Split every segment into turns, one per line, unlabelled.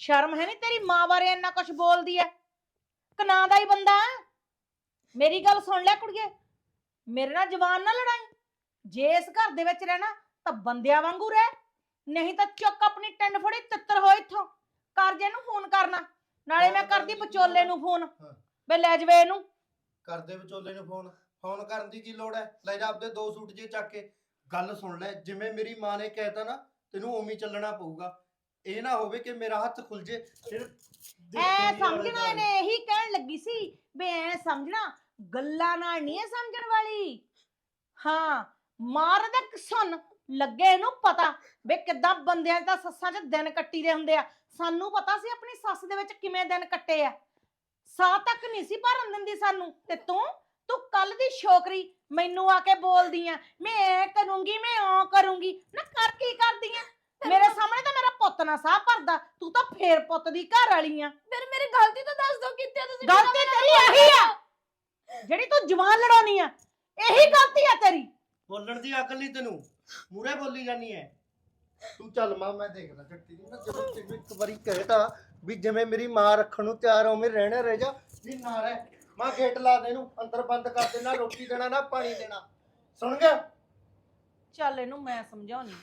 ਸ਼ਰਮ ਹੈ ਨਹੀਂ ਤੇਰੀ ਮਾਂ ਬਾਰੇ ਇੰਨਾ ਕੁਝ ਬੋਲਦੀ ਐ। ਕਨਾਂ ਦਾ ਹੀ ਬੰਦਾ। ਮੇਰੀ ਗੱਲ ਸੁਣ ਲੈ ਕੁੜੀਏ, ਮੇਰੇ ਨਾਲ ਜਵਾਨ ਨਾ ਲੜਾਈ। ਜੇ ਇਸ ਘਰ ਦੇ ਵਿੱਚ ਰਹਿਣਾ ਤਾਂ ਬੰਦਿਆਂ ਵਾਂਗੂ ਰਹਿ, ਨਹੀਂ ਤਾਂ ਚੁੱਕ ਆਪਣੀ ਟਿੰਡ ਫੜੀ ਤਿੱਤਰ ਹੋ ਇੱਥੋਂ। ਕਰ ਜੇ ਇਹਨੂੰ ਫੋਨ ਕਰਨਾ, ਨਾਲੇ ਮੈਂ ਕਰਦੀ ਵਿਚੋਲੇ ਨੂੰ ਫੋਨ ਵੇ ਲੈ ਜਵੇ ਇਹਨੂੰ।
ਕਰਦੇ ਵਿਚੋਲੇ ਨੂੰ ਫੋਨ? ਫੋਨ ਕਰਨ ਦੀ ਕੀ ਲੋੜ ਹੈ? ਲੈ ਜਾ ਆਪਦੇ 2 ਸੂਟ ਜੇ ਚੱਕ ਕੇ। ਗੱਲ ਸੁਣ ਲੈ, ਜਿਵੇਂ ਮੇਰੀ ਮਾਂ ਨੇ ਕਹਿਤਾ ਨਾ ਤੈਨੂੰ ਉਵੇਂ ਚੱਲਣਾ ਪਊਗਾ। ਇਹ ਨਾ ਹੋਵੇ ਕਿ ਮੇਰਾ ਹੱਥ ਖੁੱਲ ਜੇ ਫਿਰ
ਐ ਸਮਝਣਾ ਇਹਨੇ, ਇਹੀ ਕਹਿਣ ਲੱਗੀ ਸੀ ਵੇ ਐ ਸਮਝਣਾ, ਗੱਲਾਂ ਨਾਲ ਨਹੀਂ ਐ ਸਮਝਣ ਵਾਲੀ। ਹਾਂ, ਮਾਰ ਦੇ ਸੁਣ ਲੱਗੇ ਇਹਨੂੰ ਪਤਾ ਵੇ ਕਿੱਦਾਂ ਬੰਦਿਆਂ ਦਾ ਸੱਸਾਂ 'ਚ ਦਿਨ ਕੱਟੀ ਦੇ ਹੁੰਦੇ ਆ। ਸਾਨੂੰ ਪਤਾ ਸੀ ਆਪਣੀ ਸੱਸ ਦੇ ਵਿੱਚ ਕਿਵੇਂ ਦਿਨ ਕੱਟੇ ਆ। ਸਾਹ ਤੱਕ ਨਹੀਂ ਸੀ ਭਰਨ ਦਿੰਦੀ ਸਾਨੂੰ। ਤੇ ਤੂੰ ਕੱਲ ਦੀ ਛੋਕਰੀ ਮੈਨੂੰ ਆ ਕੇ ਬੋਲਦੀ ਆ ਮੈਂ ਐ ਕਰੂੰਗੀ ਮੈਂ ਉਹ ਕਰੂੰਗੀ। ਨਾ ਕਰ ਕੀ ਕਰਦੀ ਆ? ਮੇਰੇ ਸਾਹਮਣੇ ਤਾਂ ਮੇਰਾ ਪੁੱਤ ਨਾ ਸਾਹ ਭਰਦਾ, ਤੂੰ ਤਾਂ ਫੇਰ ਪੁੱਤ ਦੀ ਘਰ ਵਾਲੀ ਆ।
ਫਿਰ ਮੇਰੀ ਗਲਤੀ ਤਾਂ ਦੱਸ ਦੋ, ਕਿੱਥੇ ਤੁਸੀਂ?
ਗਲਤੀ ਤੇਰੀ ਇਹੀ ਆ ਜਿਹੜੀ ਤੂੰ ਜਵਾਨ ਲੜਾਉਣੀ ਆ, ਇਹੀ ਗਲਤੀ ਆ ਤੇਰੀ।
ਬੋਲਣ ਦੀ ਅਕਲ ਨਹੀਂ ਤੈਨੂੰ, ਮੂਰੇ ਬੋਲੀ ਜਾਨੀ ਐ ਤੂੰ। ਚੱਲ ਮਾਂ ਮੈਂ ਦੇਖਦਾ ਚੱਟੀ ਦੀ ਨਾ। ਜਦੋਂ ਤੈਨੂੰ ਇੱਕ ਵਾਰੀ ਕਹਿਤਾ ਵੀ ਜਿਵੇਂ ਮੇਰੀ ਮਾਂ ਰੱਖਣ ਨੂੰ ਤਿਆਰ ਹੋਵੇਂ ਰਹਿਣਾ ਰਹਿ ਜਾ, ਨਹੀਂ ਨਾ ਰਹਿ। ਮਾਂ ਗੇਟ ਲਾ ਦੇ, ਇਹਨੂੰ ਅੰਦਰ ਬੰਦ ਕਰ ਦੇ। ਨਾ ਰੋਟੀ ਦੇਣਾ ਨਾ ਪਾਣੀ ਦੇਣਾ, ਸੁਣ ਗਿਆ?
ਚੱਲ ਇਹਨੂੰ ਮੈਂ ਸਮਝਾਉਣੀ।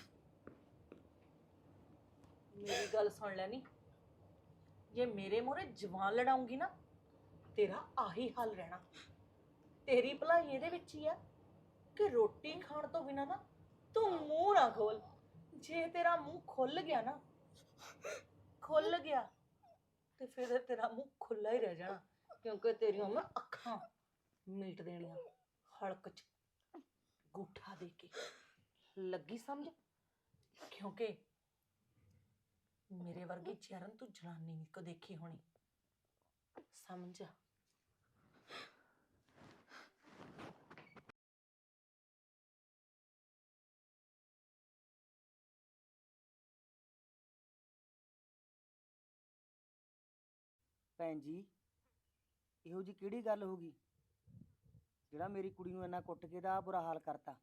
ਮੇਰੀ ਗੱਲ ਸੁਣ ਲੈ ਨੀ, ਜੇ ਮੇਰੇ ਮੂਹਰੇ ਜਵਾਨ ਲੜਾਉਂਗੀ ਨਾ ਤੇਰਾ ਆਹੀ ਹਾਲ ਰਹਿਣਾ। ਤੇਰੀ ਭਲਾਈ ਇਹਦੇ ਵਿੱਚ ਹੀ ਆ ਕਿ ਰੋਟੀ ਖਾਣ ਤੋਂ ਬਿਨਾ ਨਾ ਤੂੰ ਮੂੰਹ ਨਾ ਖੋਲ। ਜੇ ਤੇਰਾ ਮੂੰਹ ਖੁੱਲ ਗਿਆ ਨਾ, ਖੁੱਲ ਗਿਆ ਤੇ ਫਿਰ ਤੇਰਾ ਮੂੰਹ ਖੁੱਲਾ ਹੀ ਰਹਿ ਜਾਣਾ, ਕਿਉਂਕਿ ਤੇਰੀਆਂ ਮੈਂ ਅੱਖਾਂ ਮੀਟ ਦੇਣੀਆਂ ਹਲਕ 'ਚ ਗੂਠਾ ਦੇ ਕੇ। ਲੱਗੀ ਸਮਝ? ਕਿਉਂਕਿ ਮੇਰੇ ਵਰਗੀ ਚਰਨ ਤੂੰ ਜਨਾਨੀ ਨਹੀਂ ਕੋ ਦੇਖੀ ਹੋਣੀ, ਸਮਝ?
ਭੈਣ ਜੀ, ਇਹੋ ਜੀ ਕਿਹੜੀ ਗੱਲ ਹੋ ਗਈ ਜਿਹੜਾ ਮੇਰੀ ਕੁੜੀ ਨੂੰ ਇੰਨਾ ਕੁੱਟ ਕੇ ਦਾ ਬੁਰਾ ਹਾਲ ਕਰਤਾ?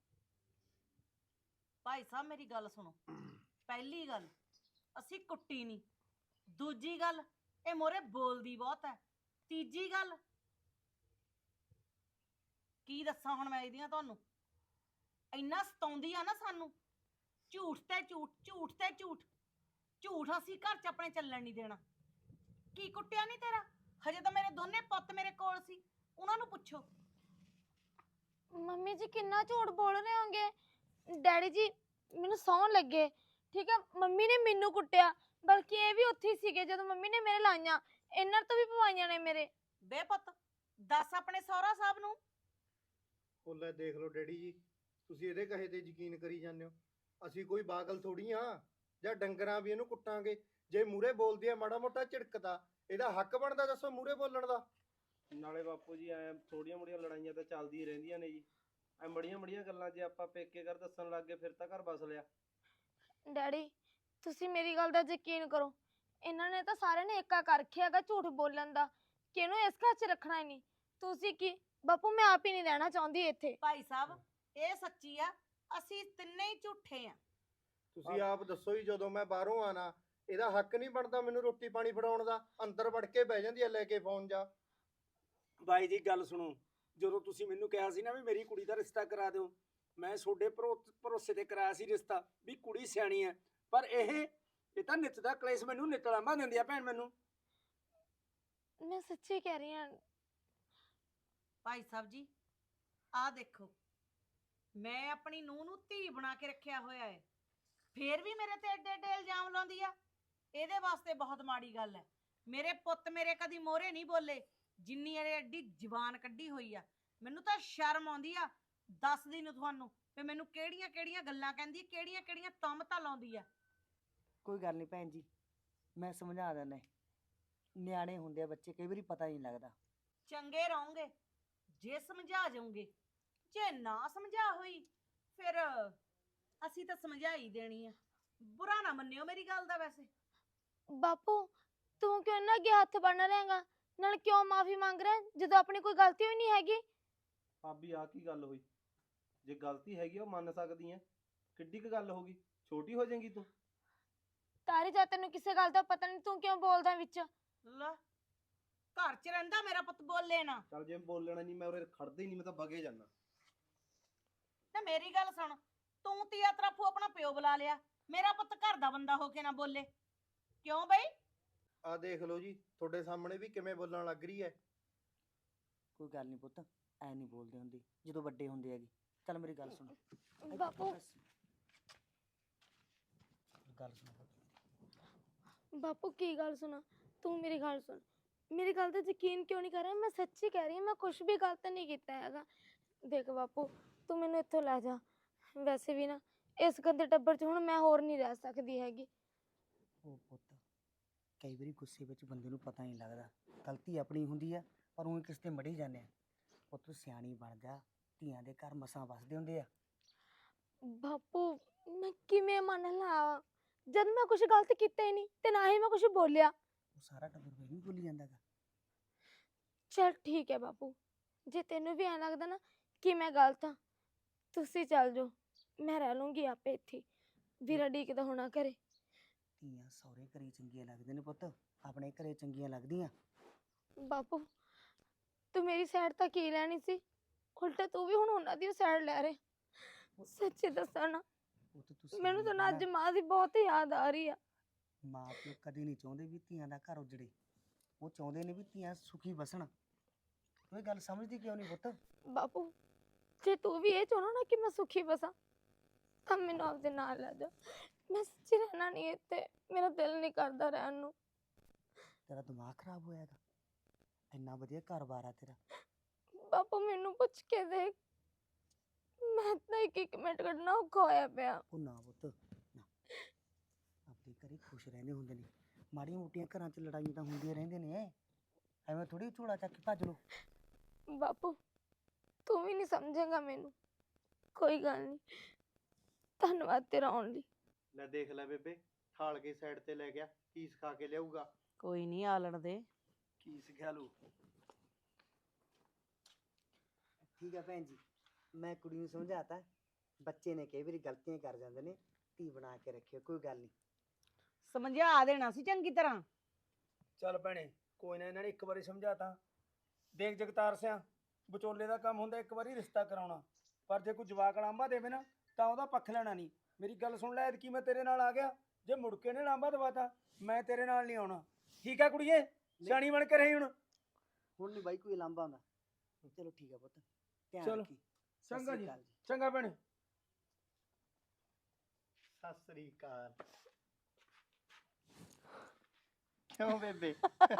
ਭਾਈ ਸਾਹਿਬ ਮੇਰੀ ਗੱਲ ਸੁਣੋ। ਪਹਿਲੀ ਗੱਲ, ਅਸੀਂ ਕੁੱਟੀ ਨਹੀਂ। ਦੂਜੀ ਗੱਲ, ਇਹ ਮੋਰੇ ਬੋਲਦੀ ਬਹੁਤ ਹੈ। ਤੀਜੀ ਗੱਲ, ਕੀ ਦੱਸਾਂ ਹੁਣ ਮੈਂ ਇਹਦੀਆਂ ਤੁਹਾਨੂੰ। ਇੰਨਾ ਸਤਾਉਂਦੀ ਆ ਨਾ ਸਾਨੂੰ, ਝੂਠ ਤੇ ਝੂਠ, ਝੂਠ ਤੇ ਝੂਠ। ਝੂਠ ਅਸੀਂ ਘਰ 'ਚ ਆਪਣੇ ਚੱਲਣ ਨਹੀਂ ਦੇਣਾ। ਕੀ ਕੁੱਟਿਆ ਨਹੀਂ ਤੇਰਾ? ਹਜੇ ਤਾਂ ਮੇਰੇ ਦੋਨੇ ਪੁੱਤ ਮੇਰੇ ਕੋਲ ਸੀ, ਉਹਨਾਂ ਨੂੰ ਪੁੱਛੋ।
ਮੰਮੀ ਜੀ ਕਿੰਨਾ ਝੂਠ ਬੋਲ ਰਹੇ ਹੋਗੇ। ਡੈਡੀ ਜੀ ਮੈਨੂੰ ਸੌਣ ਲੱਗੇ, ਠੀਕ ਹੈ? ਮੰਮੀ ਨੇ ਮੈਨੂੰ ਕੁੱਟਿਆ, ਬਲਕਿ ਇਹ ਵੀ ਉੱਥੇ ਹੀ ਸੀਗੇ ਜਦੋਂ ਮੰਮੀ ਨੇ ਮੇਰੇ ਲਾਈਆਂ। ਇਹਨਾਂ ਤੋਂ ਵੀ ਪਵਾਈਆਂ ਨੇ ਮੇਰੇ।
ਬੇ ਪੁੱਤ, ਦੱਸ ਆਪਣੇ ਸਹੁਰਾ ਸਾਹਿਬ ਨੂੰ।
ਉਹ ਲੈ ਦੇਖ ਲਓ ਡੈਡੀ ਜੀ, ਤੁਸੀਂ ਇਹਦੇ ਕਹੇ ਤੇ ਯਕੀਨ ਕਰੀ ਜਾਂਦੇ ਹੋ। ਅਸੀਂ ਕੋਈ ਪਾਗਲ ਥੋੜੀ ਆ ਜਾਂ ਡੰਗਰਾਂ ਵੀ ਇਹਨੂੰ ਕੁੱਟਾਂਗੇ। ਜੇ ਮੂਰੇ ਬੋਲਦੀ ਆ ਮਾੜਾ ਮੋਟਾ ਝਿੜਕਦਾ, ਇਹਦਾ ਹੱਕ ਬਣਦਾ ਦੱਸੋ ਮੂਰੇ ਬੋਲਣ ਦਾ?
ਨਾਲੇ ਬਾਪੂ ਜੀ ਐ ਥੋੜੀਆਂ ਮੋੜੀਆਂ ਲੜਾਈਆਂ ਤਾਂ ਚੱਲਦੀਆਂ ਰਹਿੰਦੀਆਂ ਨੇ ਜੀ। ਐ ਮੜੀਆਂ ਮੜੀਆਂ ਗੱਲਾਂ ਜੇ ਆਪਾਂ ਪੇਕੇ ਘਰ ਦੱਸਣ ਲੱਗ ਗਏ ਫਿਰ ਤਾਂ ਘਰ ਬਸ ਲਿਆ।
ਡੈਡੀ ਤੁਸੀਂ ਮੇਰੀ ਗੱਲ ਦਾ ਯਕੀਨ ਕਰੋ, ਇਹਨਾਂ ਨੇ ਤਾਂ ਸਾਰਿਆਂ ਨੇ ਏਕਾ ਕਰ ਰੱਖਿਆ ਹੈਗਾ ਝੂਠ ਬੋਲਣ ਦਾ, ਕਿ ਇਹਨੂੰ ਇਸ ਘਰ 'ਚ ਰੱਖਣਾ ਹੀ ਨਹੀਂ। ਤੁਸੀਂ ਕੀ ਬਾਪੂ, ਮੈਂ ਆਪ ਹੀ ਨਹੀਂ ਰਹਿਣਾ ਚਾਹੁੰਦੀ ਇੱਥੇ।
ਭਾਈ ਸਾਹਿਬ ਇਹ ਸੱਚੀ ਆ, ਅਸੀਂ ਤਿੰਨੇ ਹੀ ਝੂਠੇ ਆ।
ਤੁਸੀਂ ਆਪ ਦੱਸੋ ਹੀ, ਜਦੋਂ ਮੈਂ ਬਾਹਰੋਂ ਆਣਾ ਇਹਦਾ ਹੱਕ ਨਹੀਂ ਬਣਦਾ ਮੈਨੂੰ ਰੋਟੀ ਪਾਣੀ ਫੜਾਉਣ ਦਾ? ਅੰਦਰ ਵੜ ਕੇ ਬਹਿ ਜਾਂਦੀ ਆ ਲੈ ਕੇ ਫੋਨ ਜਾ।
ਬਾਈ ਜੀ ਗੱਲ ਸੁਣੋ, ਜਦੋਂ ਤੁਸੀਂ ਮੈਨੂੰ ਕਿਹਾ ਸੀ ਨਾ ਵੀ ਮੇਰੀ ਕੁੜੀ ਦਾ ਰਿਸ਼ਤਾ ਕਰਾ ਦਿਓ, ਮੈਂ ਤੁਹਾਡੇ ਭਰੋਸੇ ਤੇ ਕਰਾਇਆ ਸੀ ਰਿਸ਼ਤਾ ਵੀ ਕੁੜੀ ਸਿਆਣੀ ਹੈ। ਪਰ ਇਹ ਤਾਂ ਨਿੱਤ ਦਾ ਕਲੇਸ਼ ਮੈਨੂੰ ਨਿਤਲਾਮਾ ਦਿੰਦੀ ਆ ਭੈਣ ਮੈਨੂੰ।
ਮੈਂ ਸੱਚੀ ਕਹਿ ਰਹੀ ਹਾਂ।
ਭਾਈ ਸਾਹਿਬ ਜੀ ਆਹ ਦੇਖੋ, ਮੈਂ ਆਪਣੀ ਨੂੰਹ ਨੂੰ ਧੀ ਬਣਾ ਕੇ ਰੱਖਿਆ ਹੋਇਆ ਹੈ, ਫੇਰ ਵੀ ਮੇਰੇ ਤੇ ਏਡੇ ਏਡੇ ਇਲਜ਼ਾਮ ਲਾਉਂਦੀ ਆ। ਇਹਦੇ ਵਾਸਤੇ ਬਹੁਤ ਮਾੜੀ ਗੱਲ ਹੈ। ਮੇਰੇ ਪੁੱਤ ਮੇਰੇ ਕਦੀ ਮੋਹਰੇ ਨਹੀਂ ਬੋਲੇ ਜਿੰਨੀ ਇਹ ਐਡੀ ਜ਼ਬਾਨ ਕੱਢੀ ਹੋਈ ਆ। ਮੈਨੂੰ ਤਾਂ ਸ਼ਰਮ ਆਉਂਦੀ ਆ, ਦੱਸਦੀ ਨੂੰ ਤੁਹਾਨੂੰ ਵੀ ਮੈਨੂੰ ਕਿਹੜੀਆਂ ਕਿਹੜੀਆਂ ਗੱਲਾਂ ਕਹਿੰਦੀ, ਕਿਹੜੀਆਂ ਕਿਹੜੀਆਂ ਤੁਹਮਤਾਂ ਲਾਉਂਦੀ ਆ।
ਕੋਈ ਗੱਲ ਨਹੀਂ ਭੈਣ ਜੀ, ਮੈਂ ਸਮਝਾ ਦਿੰਦਾ। ਨਿਆਣੇ ਹੁੰਦੇ ਆ ਬੱਚੇ, ਕਈ ਵਾਰੀ ਪਤਾ ਨਹੀਂ ਲੱਗਦਾ।
ਚੰਗੇ ਰਹੋਗੇ ਜੇ ਸਮਝਾ ਜਾਓਗੇ, ਜੇ ਨਾ ਸਮਝਾ ਹੋਈ ਫਿਰ ਅਸੀਂ ਤਾਂ ਸਮਝਾ ਹੀ ਦੇਣੀ ਆ। ਬੁਰਾ ਨਾ ਮੰਨਿਓ ਮੇਰੀ ਗੱਲ ਦਾ। ਵੈਸੇ
ਬਾਪੂ ਤੂੰ ਕਿਉਂ ਨਾ ਅੱਗੇ ਹੱਥ ਬੰਨ ਰਹੇਗਾ, ਨਾਲ ਕਿਉਂ ਮਾਫੀ ਮੰਗ ਰਿਹਾ ਜਦੋਂ ਆਪਣੀ ਕੋਈ ਗਲਤੀ ਹੋਈ ਨਹੀਂ ਹੈਗੀ?
ਭਾਬੀ ਆ ਕੀ ਗੱਲ ਹੋਈ? ਜੇ ਗਲਤੀ ਹੈਗੀ ਉਹ ਮੰਨ ਸਕਦੀ ਐ, ਕਿੱਡੀ ਕੁ ਗੱਲ ਹੋ ਗਈ? ਛੋਟੀ ਹੋ ਜਾਏਗੀ ਤੂੰ?
ਤਾਰੀ ਜਾ ਤੈਨੂੰ ਕਿਸੇ ਗੱਲ ਦਾ ਪਤਾ ਨਹੀਂ, ਤੂੰ ਕਿਉਂ ਬੋਲਦਾ ਵਿੱਚ?
ਲੈ ਘਰ 'ਚ ਰਹਿੰਦਾ ਮੇਰਾ ਪੁੱਤ ਬੋਲੇ ਨਾ।
ਚੱਲ ਜੇ ਬੋਲਣਾ ਨਹੀਂ ਮੈਂ ਉਰੇ ਖੜਦਾ ਹੀ ਨਹੀਂ, ਮੈਂ ਤਾਂ ਵਗੇ ਜਾਣਾ।
ਤੇ ਮੇਰੀ ਗੱਲ ਸੁਣ, ਤੂੰ ਤੀਆ ਤਰਫੋਂ ਆਪਣਾ ਪਿਓ ਬੁਲਾ ਲਿਆ, ਮੇਰਾ ਪੁੱਤ ਘਰ ਦਾ ਬੰਦਾ ਹੋ ਕੇ ਨਾ ਬੋਲੇ ਕਿਉਂ ਬਈ?
ਆ ਦੇਖ ਲਓ ਜੀ, ਤੁਹਾਡੇ ਸਾਹਮਣੇ ਵੀ ਕਿਵੇਂ ਬੋਲਣ ਲੱਗ ਰਹੀ ਹੈ।
ਕੋਈ ਗੱਲ ਨਹੀਂ ਪੁੱਤ, ਐ ਨਹੀਂ ਬੋਲਦੇ ਹੁੰਦੇ ਜਦੋਂ ਵੱਡੇ ਹੁੰਦੇ ਹੈਗੇ। ਚੱਲ ਮੇਰੀ ਗੱਲ ਸੁਣ।
ਬਾਪੂ
ਗੱਲ ਸੁਣ ਪੁੱਤ।
ਬਾਪੂ ਕੀ ਗੱਲ ਸੁਣਾ? ਤੂੰ ਮੇਰੀ ਗੱਲ ਸੁਣ, ਮੇਰੀ ਗੱਲ ਤੇ ਯਕੀਨ ਕਿਉਂ ਨਹੀਂ ਕਰ ਰਿਹਾ? ਮੈਂ ਸੱਚੀ ਕਹਿ ਰਹੀ ਹਾਂ, ਮੈਂ ਕੁਝ ਵੀ ਗਲਤ ਨਹੀਂ ਕੀਤਾ ਹੈਗਾ। ਦੇਖ ਬਾਪੂ, ਤੂੰ ਮੈਨੂੰ ਇੱਥੋਂ ਲੈ ਜਾ। ਵੈਸੇ ਵੀ ਨਾ ਇਸ ਗੰਦੇ ਟੱਬਰ 'ਚ ਹੁਣ ਮੈਂ ਹੋਰ ਨਹੀਂ ਰਹਿ ਸਕਦੀ ਹੈਗੀ।
ਉਹ ਪੁੱਤ, ਕਈ ਵਾਰੀ ਗੁੱਸੇ ਵਿੱਚ ਬੰਦੇ ਨੂੰ ਪਤਾ ਨਹੀਂ ਲੱਗਦਾ, ਗਲਤੀ ਆਪਣੀ ਹੁੰਦੀ ਆ, ਪਰ ਉਹ ਕਿਸ ਤੇ ਮੜੀ ਜਾਂਦੇ ਆ। ਪੁੱਤ ਤੂੰ ਸਿਆਣੀ ਬਣ ਜਾ, ਧੀਆਂ ਦੇ ਘਰ ਮਸਾਂ ਵਸਦੇ ਹੁੰਦੇ ਆ।
ਬਾਪੂ ਮੈਂ ਕਿਵੇਂ ਮੰਨ ਲਾ, ਜਦ ਮੈਂ ਕੁਝ ਗਲਤ ਕੀਤਾ ਹੀ ਨਹੀਂ ਤੇ ਨਾ ਹੀ ਮੈਂ ਕੁਝ ਬੋਲਿਆ।
ਉਹ ਸਾਰਾ ਟੱਬਰ ਵੇ ਨਹੀਂ ਭੁੱਲੀ ਜਾਂਦਾ ਗਾ।
ਚਲ ਠੀਕ ਹੈ ਬਾਪੂ, ਜੇ ਤੈਨੂੰ ਵੀ ਐਂ ਲੱਗਦਾ ਨਾ ਕਿ ਮੈਂ ਗਲਤ ਹਾਂ, ਤੁਸੀਂ ਚੱਲ ਜਾਓ, ਮੈਂ ਰਹਿ ਲੂੰਗੀ ਆਪੇ ਇੱਥੇ। ਵੀਰਾ ਡੀਕਦਾ ਹੋਣਾ ਘਰੇ।
ਧੀਆਂ ਸਹੁਰੇ ਘਰੇ ਚੰਗੀਆਂ ਲੱਗਦੇ ਨੇ ਪੁੱਤ, ਆਪਣੇ ਘਰੇ ਚੰਗੀਆਂ ਲੱਗਦੀਆਂ।
ਬਾਪੂ ਤੂੰ ਮੇਰੀ ਸਾਈਡ ਤਾਂ ਕੀ ਲੈਣੀ ਸੀ, ਉਲਟਾ ਤੂੰ ਵੀ ਹੁਣ ਉਹਨਾਂ ਦੀ ਸਾਈਡ ਲੈ ਰਿਹਾ। ਸੱਚੀ ਦੱਸਾਂ ਨਾ,
ਪੁੱਤ ਤੂੰ
ਮੈਨੂੰ ਤਾਂ ਨਾ
ਸਿਆਣੀ
ਅੱਜ ਮਾਂ ਦੀ ਬਹੁਤ ਯਾਦ ਆ ਰਹੀ ਆ।
ਬਣ। ਮਾਂ ਪਿਓ ਕਦੇ ਨਹੀਂ ਚਾਹੁੰਦੇ ਵੀ ਧੀਆਂ ਦਾ ਘਰ ਉਜੜੇ, ਉਹ ਚਾਹੁੰਦੇ ਨੇ ਵੀ ਧੀਆਂ ਸੁਖੀ ਵਸਣ। ਤੂੰ ਇਹ ਗੱਲ ਸਮਝਦੀ ਕਿਉਂ ਨਹੀਂ ਪੁੱਤ?
ਬਾਪੂ ਜੇ ਤੂੰ ਵੀ ਇਹ ਚਾਹੁੰਦਾ ਨਾ ਕਿ ਮੈਂ ਸੁਖੀ ਬਸਾਂ, ਤਾਂ ਮੈਨੂੰ ਆਪਦੇ ਨਾਲ ਲੈ ਜਾ। ਮੈਂ ਸੱਚੀ ਰਹਿਣਾ ਨਹੀਂ ਇੱਥੇ, ਮੇਰਾ ਦਿਲ ਨਹੀਂ ਕਰਦਾ ਰਹਿਣ ਨੂੰ।
ਤੇਰਾ ਦਿਮਾਗ ਖਰਾਬ ਹੋਇਆ ਹੈਗਾ? ਇੰਨਾ ਵਧੀਆ ਘਰ-ਬਾਰ ਆ ਤੇਰਾ।
ਬਾਪੂ ਮੈਨੂੰ ਪੁੱਛ ਕੇ ਦੇਖ, ਮੈਂ ਤਾਂ ਇੱਕ ਮਿੰਟ ਕੱਢਣਾ ਔਖਾ ਹੋਇਆ ਪਿਆ।
ਉਹ ਨਾ ਪੁੱਤ ਨਾ, ਆਪਣੇ ਘਰੇ ਖੁਸ਼ ਰਹਿੰਦੇ ਹੁੰਦੇ ਨੇ। ਮਾੜੀਆਂ ਮੋਟੀਆਂ ਘਰਾਂ 'ਚ ਲੜਾਈਆਂ ਤਾਂ ਹੁੰਦੀਆਂ ਰਹਿੰਦੇ ਨੇ, ਐਵੇਂ ਥੋੜੀ ਝੋਲਾ ਚੱਕ ਕੇ ਭੱਜ ਲੋ।
ਬਾਪੂ ਤੂੰ ਵੀ ਨਹੀਂ ਸਮਝੇਗਾ ਮੈਨੂੰ, ਕੋਈ ਗੱਲ ਨਹੀਂ। ਧੰਨਵਾਦ ਤੇਰਾ ਆਉਣ ਲਈ।
ਲੈ ਦੇਖ ਲੈ ਬੇਬੇ, ਠਾਲ ਕੇ ਸਾਈਡ ਤੇ ਲੈ ਗਿਆ, ਕੀ ਸਿਖਾ ਕੇ ਲਿਆਊਗਾ।
ਕੋਈ ਨਹੀਂ ਆਲਣ ਦੇ।
ਕੀ ਸਿੱਖਿਆ ਲੂ?
ਠੀਕ ਹੈ ਭੈਣ ਜੀ, ਮੈਂ ਕੁੜੀ ਨੂੰ ਸਮਝਾਤਾ। ਬੱਚੇ ਨੇ ਕਈ ਵਾਰੀ ਗਲਤੀਆਂ ਕਰ ਜਾਂਦੇ ਨੇ, ਧੀ ਬਣਾ ਕੇ ਰੱਖਿਓ, ਕੋਈ ਗੱਲ ਨਹੀਂ।
ਸਮਝਾ ਦੇਣਾ ਸੀ ਚੰਗੀ ਤਰ੍ਹਾਂ।
ਚੱਲ ਭੈਣੇ, ਕੋਈ ਨਾ, ਇਹਨਾਂ ਨੇ ਇੱਕ ਵਾਰੀ ਸਮਝਾਤਾ। ਦੇਖ ਜਗਤਾਰ ਸਿਆ, ਵਿਚੋਲੇ ਦਾ ਕੰਮ ਹੁੰਦਾ ਇੱਕ ਵਾਰੀ ਰਿਸ਼ਤਾ ਕਰਾਉਣਾ, ਪਰ ਜੇ ਕੋਈ ਜਵਾਕ ਲਾਂਭਾ ਦੇਵੇ ਨਾ ਤਾਂ ਉਹਦਾ ਪੱਖ ਲੈਣਾ ਨਹੀਂ। ਮੇਰੀ ਗੱਲ ਸੁਣ ਲੈ, ਐਤਕੀ ਮੈਂ ਤੇਰੇ ਨਾਲ ਆ ਗਿਆ, ਜੇ ਮੁੜ ਕੇ ਨੇ ਲਾਂਭਾ ਦਵਾਤਾ ਮੈਂ ਤੇਰੇ ਨਾਲ ਨਹੀਂ ਆਉਣਾ। ਠੀਕ ਆ ਕੁੜੀਏ, ਸਿਆਣੀ ਬਣ ਕੇ ਰਹੀ ਹੁਣ।
ਹੁਣ ਨਹੀਂ ਬਾਈ ਕੋਈ ਲਾਂਭਾ ਆਉਂਦਾ। ਚਲੋ ਠੀਕ ਹੈ ਪੁੱਤ, ਧਿਆਨ
ਚਲੋ,
ਰੱਖੀ। ਸਤਿ
ਚੰਗਾ
ਸ਼੍ਰੀ
ਜੀ,
ਅਕਾਲ ਜੀ।
ਚੰਗਾ ਭੈਣੇ।
ਸਤਿ ਸ੍ਰੀ ਅਕਾਲ। ਕਿਉਂ ਬੇਬੇ?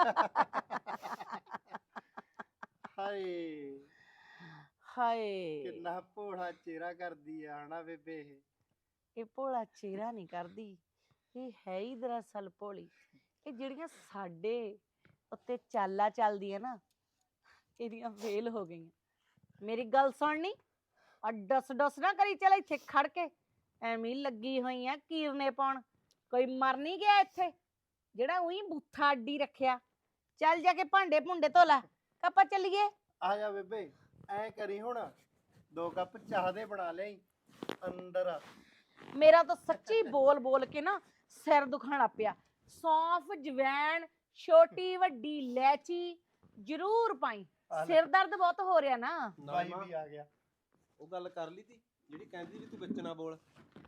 ਹਾਏ
ਹਾਏ
ਕਿੰਨਾ ਭੋਲਾ ਚਿਹਰਾ ਕਰਦੀ ਆ ਹਨਾ ਬੇਬੇ ਇਹ।
ਇਹ ਭੋਲਾ ਚਿਹਰਾ ਨਹੀਂ ਕਰਦੀ, ਇਹ ਹੈ ਹੀ ਦਰਅਸਲ ਭੋਲੀ। ਇਹ ਜਿਹੜੀਆਂ ਸਾਡੇ ਉੱਤੇ ਚਾਲਾਂ ਚੱਲਦੀਆਂ ਨਾ, ਇਹਦੀਆਂ ਫੇਲ ਹੋ ਗਈਆਂ। ਮੇਰੀ ਗੱਲ ਸੁਣਨੀ, ਆ ਡਸ ਡਸ ਨਾ ਕਰੀ, ਚੱਲ ਇੱਥੇ ਖੜ ਕੇ ਐਵੇਂ ਹੀ ਲੱਗੀ ਹੋਈ ਆ ਕੀਰਨੇ ਪਾਉਣ। ਕੋਈ ਮਰ ਨਹੀਂ ਗਿਆ ਇੱਥੇ ਜਿਹੜਾ ਉਹੀ ਬੂਥਾ ਅੱਡੀ ਰੱਖਿਆ। ਚੱਲ ਜਾ ਕੇ ਭਾਂਡੇ ਭੁੰਡੇ ਧੋ ਲੈ, ਆਪਾਂ ਚੱਲੀਏ।
ਆ ਜਾ ਬੇਬੇ, ਐ ਕਰੀ ਹੁਣ 2 ਕੱਪ ਚਾਹ ਦੇ ਬਣਾ ਲਈ ਅੰਦਰ ਆ।
ਮੇਰਾ ਤਾਂ ਸੱਚੀ ਬੋਲ ਬੋਲ ਕੇ ਨਾ ਸਿਰ ਦੁਖਣ ਲੱਗ ਪਿਆ। ਸੌਂਫ, ਜਵੈਣ, ਛੋਟੀ ਵੱਡੀ ਇਲਾਇਚੀ ਜ਼ਰੂਰ ਪਾਈ,
ਆ ਲੈ।
ਸਿਰ ਦਰਦ ਬਹੁਤ ਹੋ ਰਿਹਾ ਨਾ।
ਬਾਈ ਵੀ ਆ ਗਿਆ।
ਉਹ ਗੱਲ ਕਰ ਲਈ ਤੀ ਜਿਹੜੀ ਕਹਿੰਦੀ ਵੀ ਤੂੰ ਵਿੱਚ ਨਾ ਬੋਲ।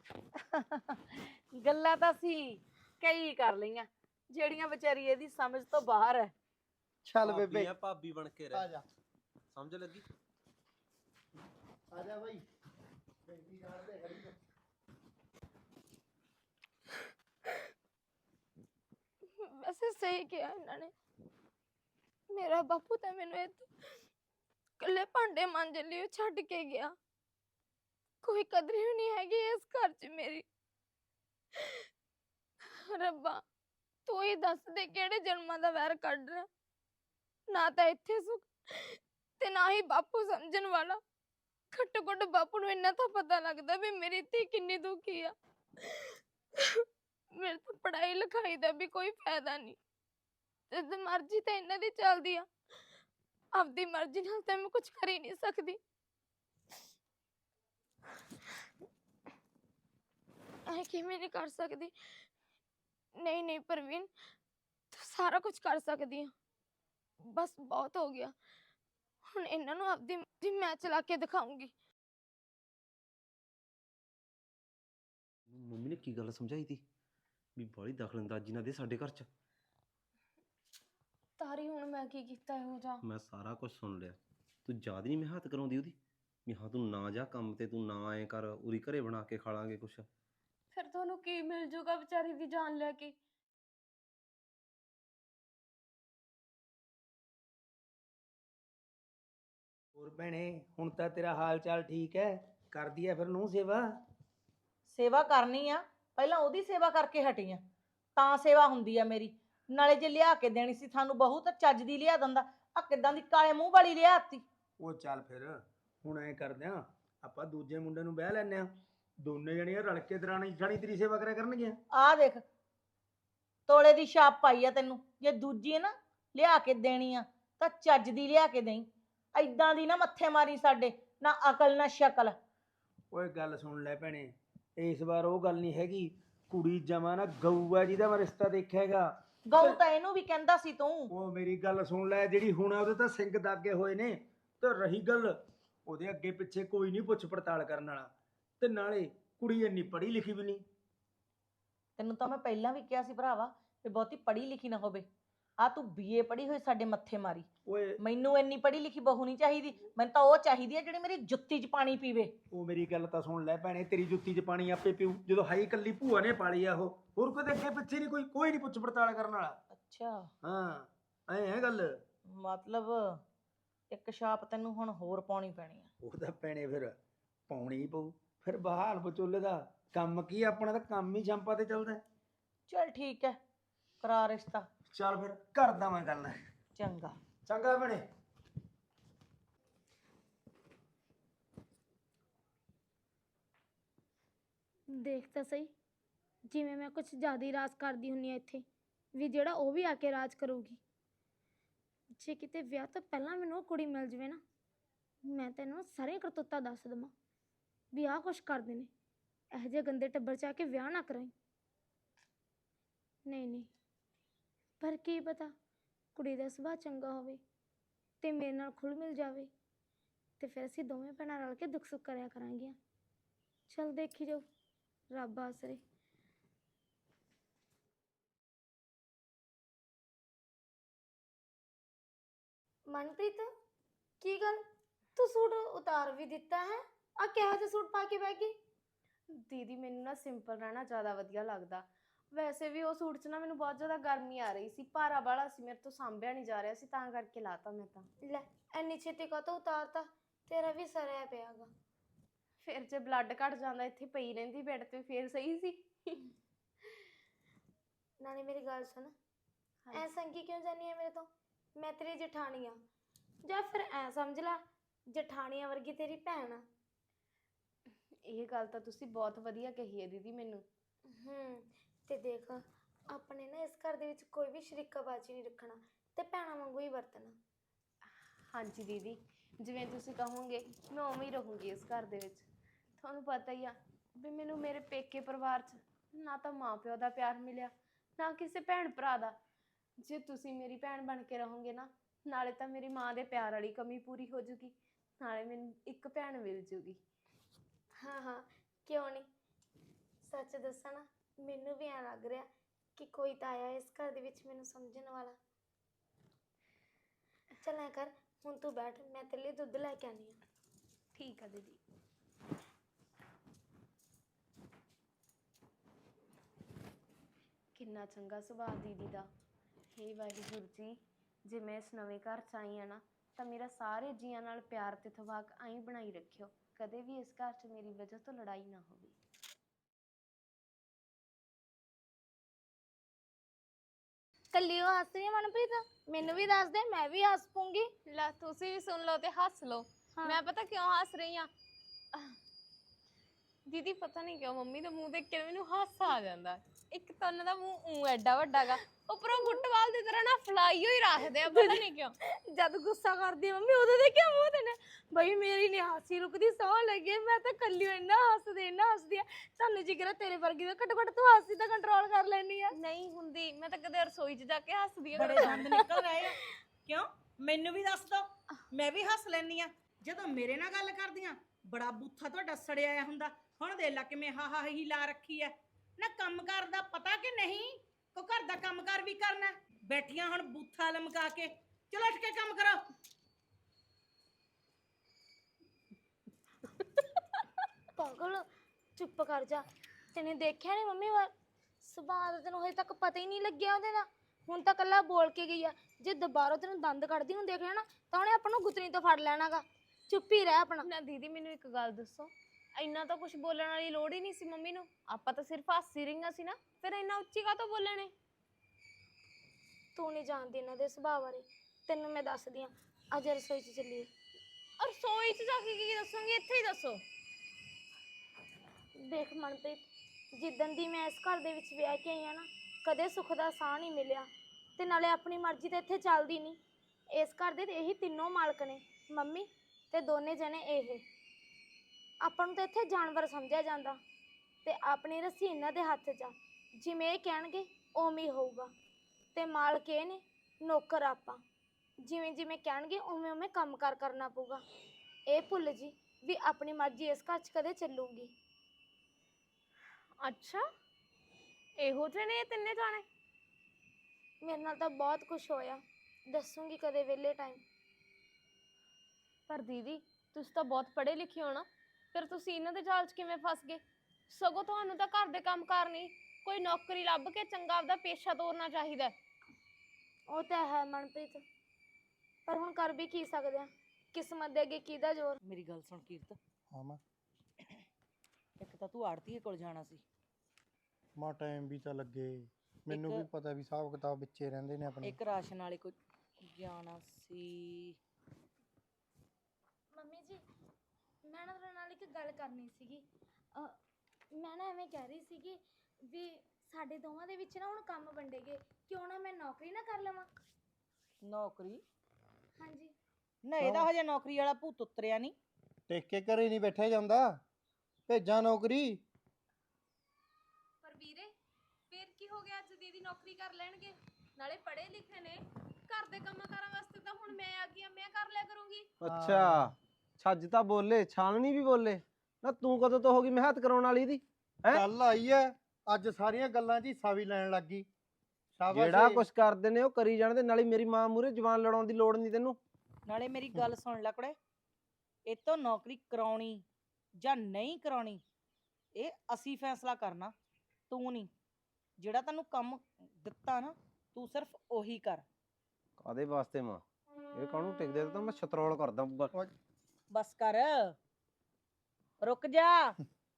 ਗੱਲਾਂ ਤਾਂ ਅਸੀਂ ਕਈ ਕਰ ਲਈਆਂ, ਜਿਹੜੀਆਂ ਵਿਚਾਰੀ ਇਹਦੀ ਸਮਝ ਤੋਂ ਬਾਹਰ ਹੈ।
ਚੱਲ ਬੇਬੇ
ਭਾਬੀ ਆ, ਭਾਬੀ ਬਣ ਕੇ
ਆ
ਰਹਿ,
ਜਾ,
ਸਮਝ ਲੱਗੀ?
ਆ ਜਾ ਬਾਈ। ਬੇਬੀ ਨਾਲ ਦੇ ਖੜੀ ਆ।
ਵੈਸੇ ਸਹੀ ਕਿਹਾ ਇਹਨਾਂ ਨੇ, ਮੇਰਾ ਬਾਪੂ ਤਾਂ ਮੈਨੂੰ ਇੱਥੇ ਇਕੱਲੇ ਭਾਂਡੇ ਮਾਂਜਣ ਲਈ ਛੱਡ ਕੇ ਗਿਆ। ਕੋਈ ਕਦਰ ਹੀ ਨਹੀਂ ਹੈਗੀ ਇਸ ਘਰ 'ਚ ਮੇਰੀ। ਰੱਬਾ ਤੂੰ ਹੀ ਦੱਸ ਦੇ ਕਿਹੜੇ ਜਨਮਾਂ ਦਾ ਵੈਰ ਕੱਢ ਰਿਹਾ। ਨਾ ਤਾਂ ਇੱਥੇ ਸੁੱਖ ਤੇ ਨਾ ਹੀ ਬਾਪੂ ਸਮਝਣ ਵਾਲਾ। ਘੱਟੋ ਘੱਟ ਬਾਪੂ ਨੂੰ ਇੰਨਾ ਤਾਂ ਪਤਾ ਲੱਗਦਾ ਵੀ ਮੇਰੀ ਧੀ ਕਿੰਨੀ ਦੁਖੀ ਆ। ਮੇਰੇ ਤਾਂ ਪੜ੍ਹਾਈ ਲਿਖਾਈ ਦਾ ਵੀ ਕੋਈ ਫਾਇਦਾ ਨਹੀਂ। ਜਦ ਮਰਜ਼ੀ ਤਾਂ ਇਹਨਾਂ ਦੀ ਚੱਲਦੀ ਆ, ਆਪਦੀ ਮਰਜ਼ੀ ਨਾਲ ਤਾਂ ਮੈਂ ਕੁਝ ਕਰ ਹੀ ਨਹੀਂ ਸਕਦੀ। ਐ ਕਿਵੇਂ ਨਹੀਂ ਕਰ ਸਕਦੀ? ਨਹੀਂ ਨਹੀਂ ਪ੍ਰਵੀਨ, ਤੂੰ ਸਾਰਾ ਕੁਝ ਕਰ ਸਕਦੀ ਆ। ਬਸ ਬਹੁਤ ਹੋ ਗਿਆ, ਹੁਣ ਇਹਨਾਂ ਨੂੰ ਆਪਦੀ ਮਰਜ਼ੀ ਮੈਂ ਚਲਾ ਕੇ ਦਿਖਾਉਂਗੀ।
ਮੰਮੀ ਨੇ ਕੀ ਗੱਲ ਸਮਝਾਈ ਤੀ ਵੀ ਬੜੀ ਦਖਲਅੰਦਾਜ਼ੀ ਨਾ ਦੇ ਸਾਡੇ ਘਰ 'ਚ?
ਤਾਰੀ ਹੁਣ ਮੈਂ ਕੀ ਕੀਤਾ ਇਹੋ ਜਿਹਾ?
ਮੈਂ ਸਾਰਾ ਕੁਝ ਸੁਣ ਲਿਆ। ਤੂੰ ਯਾਦ ਨਹੀਂ ਮੈਂ ਹੱਥ ਕਰਾਉਂਦੀ ਉਹਦੀ ਵੀ ਹਾਂ ਤੂੰ ਨਾ ਜਾ ਕੰਮ ਤੇ, ਤੂੰ ਨਾ ਐ ਕਰ, ਉਰੀ ਘਰੇ ਬਣਾ ਕੇ ਖਾ ਲਾਂਗੇ ਕੁਛ।
ਫਿਰ ਤੁਹਾਨੂੰ ਕੀ ਮਿਲ ਜੂਗਾ ਵਿਚਾਰੀ ਦੀ ਜਾਨ ਲੈ ਕੇ?
ਹੋਰ ਭੈਣੇ, ਹੁਣ ਤਾਂ ਤੇਰਾ ਹਾਲ ਚਾਲ ਠੀਕ ਹੈ? ਕਰਦੀ ਐ ਫਿਰ ਨੂੰ ਸੇਵਾ?
ਸੇਵਾ ਕਰਨੀ ਆ, ਪਹਿਲਾਂ ਉਹਦੀ ਸੇਵਾ ਕਰਕੇ ਹਟੀ ਆ, ਤਾਂ ਸੇਵਾ ਹੁੰਦੀ ਆ ਮੇਰੀ। ਨਾਲੇ ਜੇ ਲਿਆ ਕੇ ਦੇਣੀ ਸੀ ਤੁਹਾਨੂੰ ਬਹੂ ਤਾਂ ਚੱਜ ਦੀ ਲਿਆ ਦਿੰਦਾ, ਆ ਕਿੱਦਾਂ ਦੀ ਕਾਲੇ ਮੂੰਹ ਵਾਲੀ ਲਿਆਤੀ।
ਉਹ ਚੱਲ ਫਿਰ ਹੁਣ ਐ ਕਰਦੇ ਆ, ਆਪਾਂ ਦੂਜੇ ਮੁੰਡੇ ਨੂੰ ਵਿਆਹ ਲੈਨੇ ਆ, ਦੋਨੇ ਜਣੀਆਂ ਰਲ ਕੇ ਦਰਾਣੀ ਜਠਾਣੀ ਤੇਰੀ ਸੇਵਾ ਕਰਿਆ ਕਰਨਗੀਆਂ।
ਆਹ ਦੇਖ, ਤੋਲੇ ਦੀ ਛਾਪ ਪਾਈ ਆ ਤੈਨੂੰ। ਜੇ ਦੂਜੀ ਨਾ ਲਿਆ ਕੇ ਦੇਣੀ ਆ ਤਾਂ ਚੱਜ ਦੀ ਲਿਆ ਕੇ ਦੇਈ, ਐਦਾਂ ਦੀ ਨਾ ਮੱਥੇ ਮਾਰੀ ਸਾਡੇ, ਨਾ ਅਕਲ ਨਾ ਸ਼ਕਲ।
ਓਏ ਗੱਲ ਸੁਣ ਲੈ ਭੈਣੇ, ਇਸ ਵਾਰ ਉਹ ਗੱਲ ਨਹੀਂ ਹੈਗੀ, ਕੁੜੀ ਜਮਾ ਨਾ ਗਊ ਆ ਜਿਹਦਾ ਮੈਂ ਰਿਸ਼ਤਾ ਦੇਖਿਆ ਹੈਗਾ।
ਗਊ ਤਾਂ ਇਹਨੂੰ ਵੀ ਕਹਿੰਦਾ ਸੀ ਤੂੰ।
ਉਹ ਮੇਰੀ ਗੱਲ ਸੁਣ ਲੈ, ਜਿਹੜੀ ਹੁਣ ਆ ਉਹਦੇ ਤਾਂ ਸਿੰਘ ਦਾਗੇ ਹੋਏ ਨੇ, ਤੇ ਰਹੀ ਗੱਲ ਉਹਦੇ ਅੱਗੇ ਪਿੱਛੇ ਕੋਈ ਨਹੀਂ ਪੁੱਛ ਪੜਤਾਲ ਕਰਨ ਵਾਲਾ, ਤੇ ਨਾਲੇ ਕੁੜੀ ਇੰਨੀ ਪੜ੍ਹੀ ਲਿਖੀ ਵੀ ਨਹੀਂ।
ਤੈਨੂੰ ਤਾਂ ਮੈਂ ਪਹਿਲਾਂ ਵੀ ਕਿਹਾ ਸੀ ਭਰਾਵਾ ਵੀ ਬਹੁਤੀ ਪੜ੍ਹੀ ਲਿਖੀ ਨਾ ਹੋਵੇ। ਆ ਤੂੰ ਬੀਏ ਪੜ੍ਹੀ ਹੋਈ ਸਾਡੇ ਮੱਥੇ ਮਾਰੀ।
ਓਏ
ਮੈਨੂੰ ਇੰਨੀ ਪੜ੍ਹੀ ਲਿਖੀ ਬਹੂ ਨਹੀਂ ਚਾਹੀਦੀ, ਮੈਨੂੰ ਤਾਂ ਉਹ ਚਾਹੀਦੀ ਹੈ ਜਿਹੜੀ ਮੇਰੀ ਜੁੱਤੀ 'ਚ ਪਾਣੀ ਪੀਵੇ।
ਉਹ ਮੇਰੀ ਗੱਲ ਤਾਂ ਸੁਣ ਲੈ ਭੈਣੇ, ਤੇਰੀ ਜੁੱਤੀ 'ਚ ਪਾਣੀ ਆਪੇ ਪੀਊ, ਜਦੋਂ ਹਾਈ ਕੱਲੀ ਭੂਆ ਨੇ ਪਾਲੀ ਆ, ਉਹ ਹੋਰ ਕੋਈ ਅੱਗੇ ਪਿੱਛੇ ਨਹੀਂ, ਕੋਈ ਨਹੀਂ ਪੁੱਛ ਪੜਤਾਲ ਕਰਨ ਵਾਲਾ।
ਅੱਛਾ,
ਹਾਂ ਐ ਹੈ ਗੱਲ।
ਮਤਲਬ ਇੱਕ ਛਾਪ ਤੈਨੂੰ ਹੁਣ ਹੋਰ ਪਾਉਣੀ ਪੈਣੀ ਆ।
ਉਹ ਤਾਂ ਭੈਣੇ ਫਿਰ ਪਾਉਣੀ ਪਊ, ਫਿਰ ਬਹਾਲ ਵਿਚੋਲੇ ਦਾ ਕੰਮ ਕੀ, ਆਪਣਾ ਤਾਂ ਕੰਮ ਹੀ ਜੰਪਾਂ ਤੇ ਚੱਲਦਾ।
ਚਲ ਠੀਕ ਹੈ, ਕਰਾ ਰਿਸ਼ਤਾ।
ਚੱਲ ਫਿਰ ਕਰਦਾ ਮੈਂ ਗੱਲ।
ਚੰਗਾ।
ਚੰਗਾ ਭੈਣੇ।
ਦੇਖ ਤਾਂ ਸਹੀ, ਜਿਵੇਂ ਮੈਂ ਕੁਝ ਜ਼ਿਆਦਾ ਹੀ ਰਾਜ ਕਰਦੀ ਹੁੰਨੀ ਆ ਇੱਥੇ, ਵੀ ਜਿਹੜਾ ਉਹ ਵੀ ਆ ਕੇ ਰਾਜ ਕਰੂਗੀ। ਜੇ ਕਿਤੇ ਵਿਆਹ ਤੋਂ ਪਹਿਲਾਂ ਮੈਨੂੰ ਉਹ ਕੁੜੀ ਮਿਲ ਜਵੇ ਨਾ, ਮੈਂ ਤੈਨੂੰ ਸਾਰੀਆਂ ਕਰਤੂਤਾਂ ਦੱਸ ਦੇਵਾਂ ਵੀ ਆਹ ਕੁਛ ਕਰਦੇ ਨੇ। ਇਹੋ ਜਿਹੇ ਗੰਦੇ ਟੱਬਰ 'ਚ ਆ ਕੇ ਵਿਆਹ ਨਾ ਕਰਾਈ। ਨਹੀਂ ਨਹੀਂ, ਪਰ ਕੀ ਪਤਾ ਕੁੜੀ ਦਾ ਸੁਭਾਅ ਚੰਗਾ ਹੋਵੇ ਤੇ ਮੇਰੇ ਨਾਲ ਖੁੱਲ੍ਹ ਮਿਲ ਜਾਵੇ, ਤੇ ਫਿਰ ਅਸੀਂ ਦੋਵੇਂ ਭੈਣਾਂ ਰਲ ਕੇ ਦੁੱਖ ਸੁੱਖ ਕਰਿਆ ਕਰਾਂਗੀਆਂ। ਚਲ ਦੇਖੀ ਜਾਓ, ਰੱਬ ਆਸਰੇ। ਮਨਪ੍ਰੀਤ, ਕੀ ਗੱਲ ਤੂੰ ਸੂਟ ਉਤਾਰ ਵੀ ਦਿੱਤਾ ਹੈ? ਆ ਕਿਹੋ ਜਿਹਾ ਸੂਟ ਪਾ ਕੇ ਬਹਿ ਗਈ?
ਦੀਦੀ ਮੈਨੂੰ ਨਾ ਸਿੰਪਲ ਰਹਿਣਾ ਜ਼ਿਆਦਾ ਵਧੀਆ ਲੱਗਦਾ। ਵੈਸੇ ਵੀ ਉਹ ਸੂਟ 'ਚ ਨਾ ਮੈਨੂੰ ਬਹੁਤ ਜ਼ਿਆਦਾ ਗਰਮੀ ਆ ਰਹੀ ਸੀ, ਭਾਰਾ ਵਾਲਾ ਸੀ, ਮੇਰੇ ਤੋਂ ਸਾਂਭਿਆ ਨਹੀਂ ਜਾ ਰਿਹਾ ਸੀ, ਤਾਂ ਕਰਕੇ ਲਾਤਾ ਮੈਂ ਤਾਂ।
ਲੈ ਐਨੀ ਛੇਤੀ ਕਾਹਤੋਂ ਉਤਾਰਤਾ? ਤੇਰਾ ਵੀ ਸਰਿਆ ਪਿਆਗਾ।
ਫਿਰ ਜੇ ਬਲੱਡ ਘਟ ਜਾਂਦਾ ਇੱਥੇ ਪਈ ਰਹਿੰਦੀ ਬੈੱਡ ਤੇ, ਫਿਰ ਸਹੀ ਸੀ।
ਨਾਲੇ ਮੇਰੀ ਗੱਲ ਸੁਣ, ਐ ਸੰਗੀ ਕਿਉਂ ਜਾਨੀ ਹੈ ਮੇਰੇ ਤੋਂ? ਮੈਂ ਤੇਰੀ ਜਠਾਣੀ ਆ, ਜਾਂ ਫਿਰ ਐ ਸਮਝ ਲੈ ਜਠਾਣੀਆਂ ਵਰਗੀ ਤੇਰੀ ਭੈਣ ਆ।
ਇਹ ਗੱਲ ਤਾਂ ਤੁਸੀਂ ਬਹੁਤ ਵਧੀਆ ਕਹੀ ਹੈ ਦੀਦੀ ਮੈਨੂੰ।
ਤੇ ਦੇਖ, ਆਪਣੇ ਨਾ ਇਸ ਘਰ ਦੇ ਵਿੱਚ ਕੋਈ ਵੀ ਸ਼ਰੀਕਾਬਾਜ਼ੀ ਨਹੀਂ ਰੱਖਣਾ ਤੇ ਭੈਣਾਂ ਵਾਂਗੂ ਹੀ ਵਰਤਣਾ।
ਹਾਂਜੀ ਦੀਦੀ, ਜਿਵੇਂ ਤੁਸੀਂ ਕਹੋਗੇ ਮੈਂ ਉਵੇਂ ਹੀ ਰਹੂੰਗੀ ਇਸ ਘਰ ਦੇ ਵਿੱਚ। ਤੁਹਾਨੂੰ ਪਤਾ ਹੀ ਆ ਵੀ ਮੈਨੂੰ ਮੇਰੇ ਪੇਕੇ ਪਰਿਵਾਰ 'ਚ ਨਾ ਤਾਂ ਮਾਂ ਪਿਓ ਦਾ ਪਿਆਰ ਮਿਲਿਆ, ਨਾ ਕਿਸੇ ਭੈਣ ਭਰਾ ਦਾ। ਜੇ ਤੁਸੀਂ ਮੇਰੀ ਭੈਣ ਬਣ ਕੇ ਰਹੋਗੇ ਨਾ, ਨਾਲੇ ਤਾਂ ਮੇਰੀ ਮਾਂ ਦੇ ਪਿਆਰ ਵਾਲੀ ਕਮੀ ਪੂਰੀ ਹੋ ਜੂਗੀ, ਨਾਲੇ ਮੈਨੂੰ ਇੱਕ ਭੈਣ ਮਿਲ ਜੂਗੀ।
ਹਾਂ ਹਾਂ, ਕਿਉਂ ਨਹੀਂ। ਸੱਚ ਦੱਸਾਂ ਨਾ, ਮੈਨੂੰ ਵੀ ਐਂ ਲੱਗ ਰਿਹਾ ਕਿ ਕੋਈ ਤਾਂ ਆਇਆ ਇਸ ਘਰ ਦੇ ਵਿੱਚ ਮੈਨੂੰ ਸਮਝਣ ਵਾਲਾ। ਚੱਲ ਐਂ ਕਰ, ਹੁਣ ਤੂੰ ਬੈਠ, ਮੈਂ ਤੇਰੇ ਲਈ ਦੁੱਧ ਲੈ ਕੇ ਆਉਂਦੀ ਹਾਂ।
ਠੀਕ ਆ ਦੀਦੀ। ਕਿੰਨਾ ਚੰਗਾ ਸੁਭਾਅ ਦੀਦੀ ਦਾ। ਹੇ ਵਾਹਿਗੁਰੂ ਜੀ, ਜੇ ਮੈਂ ਇਸ ਨਵੇਂ ਘਰ 'ਚ ਆਈ ਹਾਂ ਨਾ, ਤਾਂ ਮੇਰਾ ਸਾਰੇ ਜੀਆਂ ਨਾਲ ਪਿਆਰ ਤੇ ਤਵਾਕ ਆਈ ਬਣਾਈ ਰੱਖਿਓ। ਕਦੇ ਵੀ ਇਸ ਘਰ 'ਚ ਮੇਰੀ ਵਜ੍ਹਾ ਤੋਂ ਲੜਾਈ ਨਾ ਹੋਵੇ।
ਕੱਲੀ ਉਹ ਹੱਸ ਰਹੀ ਹੈ ਮਨਪ੍ਰੀਤ? ਮੈਨੂੰ ਵੀ ਦੱਸ ਦੇ, ਮੈਂ ਵੀ ਹੱਸ ਪੂੰਗੀ।
ਲੈ ਤੁਸੀਂ ਵੀ ਸੁਣ ਲਓ ਤੇ ਹੱਸ ਲਓ। ਮੈਂ ਪਤਾ ਕਿਉਂ ਹੱਸ ਰਹੀ ਆ ਦੀਦੀ? ਪਤਾ ਨਹੀਂ ਕਿਉਂ ਮੰਮੀ ਦਾ ਮੂੰਹ ਦੇਖ ਕੇ ਮੈਨੂੰ ਹਾਸਾ ਆ ਜਾਂਦਾ। ਇੱਕ ਤਾਂ ਉਹਨਾਂ ਦਾ ਮੂੰਹ ਐਡਾ ਵੱਡਾ ਗਾ, ਉੱਪਰੋਂ ਫੁੱਟਬਾਲ ਦੀ ਤਰ੍ਹਾਂ ਨਾ ਫਲਾਈ ਹੋਈ ਰੱਖਦੇ ਆ ਪਤਾ ਨਹੀਂ ਕਿਉਂ।
ਜਦ ਗੁੱਸਾ ਕਰਦੀ ਆ ਮੰਮੀ ਉਦੋਂ ਦੇ ਕਿਉਂ ਮੂੰਹ ਤੇ ਨੇ ਬਈ ਮੇਰੀ ਨੀ ਹਾਸੀ ਰੁਕਦੀ ਸੌ ਲੱਗੇ ਮੈਂ ਤਾਂ ਕੱਲੀ ਇੰਨਾ ਹੱਸਦੀ ਆ ਤੁਹਾਨੂੰ ਜਿਗਰਾ ਤੇਰੇ ਵਰਗੀ ਦਾ ਘੱਟੋ ਘੱਟ ਤੂੰ ਹਾਸੀ ਤਾਂ ਕੰਟਰੋਲ ਕਰ ਲੈਣੀ ਆ।
ਨਹੀਂ ਹੁੰਦੀ, ਮੈਂ ਤਾਂ ਕਦੇ ਰਸੋਈ 'ਚ ਜਾ ਕੇ ਹੱਸਦੀ ਆ।
ਬੜੇ ਦੰਦ ਨਿਕਲ ਰਹੇ ਆ। ਕਿਉਂ? ਮੈਨੂੰ ਵੀ ਦੱਸ ਦੋ, ਮੈਂ ਵੀ ਹੱਸ ਲੈਣੀ ਆ। ਜਦੋਂ ਮੇਰੇ ਨਾਲ ਗੱਲ ਕਰਦੀਆਂ ਬੜਾ ਬੂਥਾ ਤੁਹਾਡਾ ਸੜਿਆ ਆਇਆ ਹੁੰਦਾ। ਹੁਣ ਦੇਖ ਲਾ ਕਿਵੇਂ ਹਾ ਹੀ ਲਾ ਰੱਖੀ ਐ। ਨਾ ਕੰਮ ਕਾਰ ਦਾ ਪਤਾ ਕਿ ਨਹੀਂ? ਕੋ ਘਰ ਦਾ ਕੰਮ ਕਾਰ ਵੀ ਕਰਨਾ। ਬੈਠੀਆਂ ਹੁਣ ਬੂਥਾ ਲਮਕਾ ਕੇ। ਚਲੋ ਉੱਠ ਕੇ ਕੰਮ ਕਰੋ।
ਪਾਗਲ ਚੁੱਪ ਕਰ ਜਾ। ਤੈਨੇ ਦੇਖਿਆ ਨਹੀਂ ਮੰਮੀ ਵਾ ਸੁਭਾਅ ਦਾ ਤੈਨੂੰ ਹਜੇ ਤੱਕ ਪਤਾ ਹੀ ਨਹੀਂ ਲੱਗਿਆ ਉਹਦੇ ਦਾ। ਹੁਣ ਤਾਂ ਕੱਲਾ ਬੋਲ ਕੇ ਗਈ ਆ। ਜੇ ਦੁਬਾਰਾ ਤੈਨੂੰ ਦੰਦ ਕੱਢਦੀ ਨੂੰ ਦੇਖ ਲੈਣਾ ਤਾਂ ਉਹਨੇ ਆਪਾਂ ਨੂੰ ਗੁੱਤਨੀ ਤੋਂ ਫੜ ਲੈਣਾਗਾ। ਚੁੱਪ ਹੀ ਰਹਿ ਆਪਣਾ।
ਨਾ ਦੀਦੀ ਮੈਨੂੰ ਇੱਕ ਗੱਲ ਦੱਸੋ, ਇੰਨਾ ਤਾਂ ਕੁਝ ਬੋਲਣ ਵਾਲੀ ਲੋੜ ਹੀ ਨਹੀਂ ਸੀ ਮੰਮੀ ਨੂੰ। ਆਪਾਂ ਤਾਂ ਸਿਰਫ ਹੱਸੀ ਰਹੀਆਂ ਸੀ ਨਾ, ਫਿਰ ਇੰਨਾ ਉੱਚੀ ਕਾਹਤੋਂ ਬੋਲਣੇ?
ਤੂੰ ਨਹੀਂ ਜਾਣਦੀ ਇਹਨਾਂ ਦੇ ਸੁਭਾਅ ਬਾਰੇ। ਤੈਨੂੰ ਮੈਂ ਦੱਸਦੀ ਆ। ਅੱਜ ਰਸੋਈ 'ਚ ਚੱਲੀਏ।
ਔਰ ਰਸੋਈ 'ਚ ਜਾ ਕੇ ਕੀ ਦੱਸੋਗੇ? ਇੱਥੇ ਹੀ ਦੱਸੋ।
ਦੇਖ ਮਨਪ੍ਰੀਤ, ਜਿੱਦਣ ਦੀ ਮੈਂ ਇਸ ਘਰ ਦੇ ਵਿੱਚ ਵਿਆਹ ਕੇ ਆਈ ਆ ਨਾ ਕਦੇ ਸੁੱਖ ਦਾ ਸਾਹ ਨਹੀਂ ਮਿਲਿਆ। ਤੇ ਨਾਲੇ ਆਪਣੀ ਮਰਜ਼ੀ ਤਾਂ ਇੱਥੇ ਚੱਲਦੀ ਨਹੀਂ। ਇਸ ਘਰ ਦੇ ਇਹੀ ਤਿੰਨੋਂ ਮਾਲਕ ਨੇ, ਮੰਮੀ ਤੇ ਦੋਨੇ ਜਣੇ ਇਹ। ਆਪਾਂ ਨੂੰ ਤਾਂ ਇੱਥੇ ਜਾਨਵਰ ਸਮਝਿਆ ਜਾਂਦਾ ਤੇ ਆਪਣੀ ਰੱਸੀ ਇਹਨਾਂ ਦੇ ਹੱਥ 'ਚ ਆ। ਜਿਵੇਂ ਇਹ ਕਹਿਣਗੇ ਉਵੇਂ ਹੀ ਹੋਊਗਾ। ਤੇ ਮਾਲਕ ਇਹ ਨੇ, ਨੌਕਰ ਆਪਾਂ। ਜਿਵੇਂ ਜਿਵੇਂ ਕਹਿਣਗੇ ਉਵੇਂ ਉਵੇਂ ਕੰਮਕਾਰ ਕਰਨਾ ਪਊਗਾ। ਇਹ ਭੁੱਲ ਜੀ ਵੀ ਆਪਣੀ ਮਰਜ਼ੀ ਇਸ ਘਰ 'ਚ ਕਦੇ ਚੱਲੂਗੀ।
ਅੱਛਾ, ਇਹੋ ਜਿਹੇ ਨੇ ਇਹ ਤਿੰਨੇ ਜਾਣੇ?
ਮੇਰੇ ਨਾਲ ਤਾਂ ਬਹੁਤ ਕੁਝ ਹੋਇਆ, ਦੱਸੂਗੀ ਕਦੇ ਵਿਹਲੇ ਟਾਈਮ।
ਪਰ ਦੀਦੀ ਤੁਸੀਂ ਤਾਂ ਬਹੁਤ ਪੜ੍ਹੇ ਲਿਖੇ ਹੋ ਨਾ, ਫਿਰ ਤੁਸੀਂ ਇਹਨਾਂ ਦੇ ਜਾਲ 'ਚ ਕਿਵੇਂ ਫਸ ਗਏ? ਸਗੋਂ ਤੁਹਾਨੂੰ ਤਾਂ ਘਰ ਦੇ ਕੰਮ ਕਾਰ ਨਹੀਂ, ਕੋਈ ਨੌਕਰੀ ਲੱਭ ਕੇ ਚੰਗਾ ਆਪਦਾ ਪੇਸ਼ਾ ਤੋਰਨਾ ਚਾਹੀਦਾ ਹੈ।
ਉਹ ਤਾਂ ਹੈ ਮਨਪ੍ਰੀਤ, ਪਰ ਹੁਣ ਕਰ ਵੀ ਕੀ ਸਕਦੇ ਆ? ਕਿਸਮਤ ਦੇ ਅੱਗੇ ਕਿਹਦਾ ਜ਼ੋਰ?
ਮੇਰੀ ਗੱਲ ਸੁਣ ਕੀਰਤ,
ਹਾਂ ਮਾਂ।
ਇੱਕ ਤਾਂ ਤੂੰ ਆੜਤੀਏ ਕੋਲ ਜਾਣਾ ਸੀ।
ਮਾਂ ਟਾਈਮ ਵੀ ਤਾਂ ਲੱਗੇ। ਮੈਨੂੰ ਵੀ ਪਤਾ ਵੀ ਹਿਸਾਬ ਕਿਤਾਬ ਵਿੱਚੇ ਰਹਿੰਦੇ ਨੇ ਆਪਣੇ।
ਇੱਕ ਰਾਸ਼ਨ ਵਾਲੇ ਕੋਲ ਜਾਣਾ ਸੀ।
ਮੰਮੀ ਜੀ, ਮੈਂ ਨਾ ਤੁਹਾਡੇ ਨਾਲ ਇੱਕ ਗੱਲ ਕਰਨੀ ਸੀਗੀ। ਮੈਂ ਨਾ ਐਵੇਂ ਕਹਿ ਰਹੀ ਸੀਗੀ ਵੀ ਸਾਡੇ ਦੋਵਾਂ ਦੇ ਵਿੱਚ ਨਾ ਹੁਣ ਕੰਮ ਵੰਡੇਗੇ, ਕਿਉਂ ਨਾ ਮੈਂ ਨੌਕਰੀ ਨਾ ਕਰ ਲਵਾਂ?
ਨੌਕਰੀ?
ਹਾਂਜੀ।
ਨਾ ਇਹਦਾ ਹਜੇ ਨੌਕਰੀ ਵਾਲਾ ਭੂਤ ਉਤਰਿਆ ਨਹੀਂ।
ਟਿਕ ਕੇ ਘਰੇ ਨਹੀਂ ਬੈਠਿਆ ਜਾਂਦਾ। ਭੇਜਾਂ ਨੌਕਰੀ।
ਪਰ ਵੀਰੇ ਫੇਰ ਕੀ ਹੋ ਗਿਆ? ਅੱਜ ਦੀਦੀ ਨੌਕਰੀ ਕਰ ਲੈਣਗੇ, ਨਾਲੇ ਪੜ੍ਹੇ ਲਿਖੇ ਨੇ। ਘਰ ਦੇ ਕੰਮਾਂ ਕਾਰਾਂ ਵਾਸਤੇ ਤਾਂ ਹੁਣ ਮੈਂ ਆ ਗਈ ਆ, ਮੈਂ ਕਰ ਲਿਆ ਕਰੂੰਗੀ।
ਅੱਛਾ, ਛੱਜ ਤਾਂ ਬੋਲੇ, ਛਾਨਣੀ ਵੀ ਬੋਲੇ ਨਾ। ਤੂੰ ਕਦੋਂ ਤੋਂ ਹੋ ਗਈ ਮਿਹਨਤ ਕਰਾਉਣ ਵਾਲੀ ਦੀ? ਹੈਂ?
ਕੱਲ ਆਈ ਐ, ਅੱਜ ਸਾਰੀਆਂ ਗੱਲਾਂ 'ਚ ਹਿੱਸਾ ਵੀ ਲੈਣ ਲੱਗ ਗਈ। ਸ਼ਾਬਾਸ਼
ਜਿਹੜਾ
ਏ।
ਕੁਛ ਕਰਦੇ ਨੇ ਉਹ ਕਰੀ ਜਾਣਦੇ। ਨਾਲੇ ਮੇਰੀ ਮਾਂ ਮੂਰੇ ਜਵਾਨ ਲੜਾਉਣ ਦੀ ਲੋੜ ਨਹੀਂ ਤੈਨੂੰ।
ਨਾਲੇ ਮੇਰੀ ਗੱਲ ਸੁਣ ਲੈ ਕੁੜੇ, ਇਹ ਤੋਂ ਨੌਕਰੀ ਕਰਾਉਣੀ ਜਾਂ ਨਹੀਂ ਕਰਾਉਣੀ ਇਹ ਅਸੀਂ ਫੈਸਲਾ ਕਰਨਾ, ਤੂੰ ਨਹੀਂ। ਜਿਹੜਾ ਤੈਨੂੰ ਕੰਮ ਦਿੱਤਾ ਨਾ ਤੂੰ ਸਿਰਫ ਉਹੀ ਕਰ।
ਕਾਦੇ ਵਾਸਤੇ ਮਾਂ? ਇਹ ਕਾਹਨੂੰ ਟਿਕਦੇ ਤਾਂ ਮੈਂ ਛਤਰੋਲ ਕਰਦਾ।
ਬਸ ਕਰ, ਰੁਕ ਜਾ।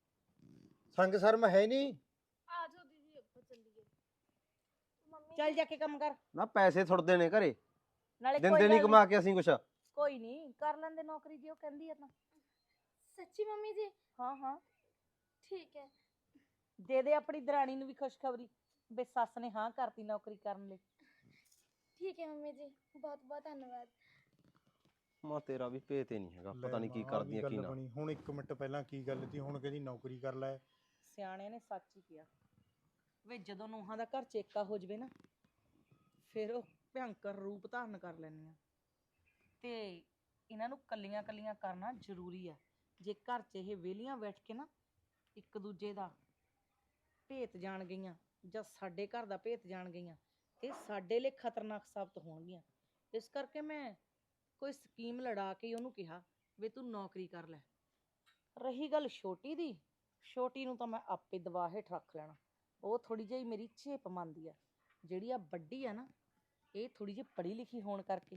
ਸੰਗ ਸ਼ਰਮ ਹੈ ਨਹੀਂ।
ਆ ਜਾਓ ਦੀਦੀ ਆਪਾਂ ਚੱਲੀਏ।
ਮੰਮੀ
ਚੱਲ ਜਾ ਕੇ ਕੰਮ ਕਰ।
ਨਾ ਪੈਸੇ ਥੁੜਦੇ ਨੇ ਘਰੇ,
ਨਾਲੇ
ਦਿੰਦੇ
ਕੋਈ
ਨਹੀਂ
ਗੱਲ
ਕਮਾ ਕੇ ਅਸੀਂ ਕੁਛ।
ਕੋਈ ਨਹੀਂ, ਕਰ ਲੈਂਦੇ ਨੌਕਰੀ ਜੇ ਉਹ ਕਹਿੰਦੀ ਆ ਤਾਂ।
ਸੱਚੀ ਮੰਮੀ ਜੀ?
ਹਾਂ ਹਾਂ,
ਠੀਕ ਹੈ।
ਦੇ ਦੇ ਆਪਣੀ ਦਰਾਣੀ ਨੂੰ ਵੀ ਖੁਸ਼ਖਬਰੀ ਵੀ ਸੱਸ ਨੇ ਹਾਂ ਕਰਤੀ ਨੌਕਰੀ ਕਰਨ ਲਈ।
ਠੀਕ ਹੈ ਮੰਮੀ ਜੀ, ਬਹੁਤ ਬਹੁਤ ਧੰਨਵਾਦ।
ਮਾਂ ਤੇਰਾ ਵੀ ਭੇਤ ਹੀ ਨਹੀਂ ਹੈਗਾ, ਪਤਾ ਨਹੀਂ ਕੀ
ਲੈ ਮਾਂ, ਆਹ
ਕਰਦੀਆਂ ਕੀ
ਗੱਲ
ਨਾ।
ਬਣੀ। ਹੁਣ 1 ਮਿੰਟ ਪਹਿਲਾਂ ਕੀ ਗੱਲ ਸੀ, ਹੁਣ ਕਹਿੰਦੀ ਨੌਕਰੀ ਕਰ ਲੈ।
ਸਿਆਣਿਆਂ ਨੇ ਸੱਚ ਹੀ ਕਿਹਾ ਵੇ ਜਦੋਂ ਨੂੰਹਾਂ ਦਾ ਘਰ ਚੇਕਾ ਹੋ ਜਵੇ ਨਾ ਫਿਰ ਉਹ ਭਿਅੰਕਰ ਰੂਪ ਧਾਰਨ ਕਰ ਲੈਂਦੀਆਂ। ਤੇ ਇਹਨਾਂ ਨੂੰ ਕੱਲੀਆਂ ਕੱਲੀਆਂ ਕਰਨਾ ਜ਼ਰੂਰੀ ਆ। ਜੇ ਘਰ 'ਚ ਇਹ ਵਿਹਲੀਆਂ ਬੈਠ ਕੇ ਨਾ ਇੱਕ ਦੂਜੇ ਦਾ ਭੇਤ ਜਾਣ ਗਈਆਂ ਜਾਂ ਸਾਡੇ ਘਰ ਦਾ ਭੇਤ ਜਾਣ ਗਈਆਂ, ਇਹ ਸਾਡੇ ਲਈ ਖਤਰਨਾਕ ਸਾਬਤ ਹੋਣਗੀਆਂ। ਇਸ ਕਰਕੇ ਮੈਂ ਕੋਈ ਸਕੀਮ ਲੜਾ ਕੇ ਹੀ ਉਹਨੂੰ ਕਿਹਾ ਵੀ ਤੂੰ ਨੌਕਰੀ ਕਰ ਲੈ। ਰਹੀ ਗੱਲ ਛੋਟੀ ਦੀ, ਛੋਟੀ ਨੂੰ ਤਾਂ ਮੈਂ ਆਪੇ ਦਬਾ ਹੇਠ ਰੱਖ ਲੈਣਾ। ਉਹ ਥੋੜੀ ਜਿਹੀ ਮੇਰੀ ਝੇਪ ਮੰਨਦੀ ਆ। ਜਿਹੜੀ ਆ ਵੱਡੀ ਆ ਨਾ, ਇਹ ਥੋੜੀ ਜਿਹੀ ਪੜ੍ਹੀ ਲਿਖੀ ਹੋਣ ਕਰਕੇ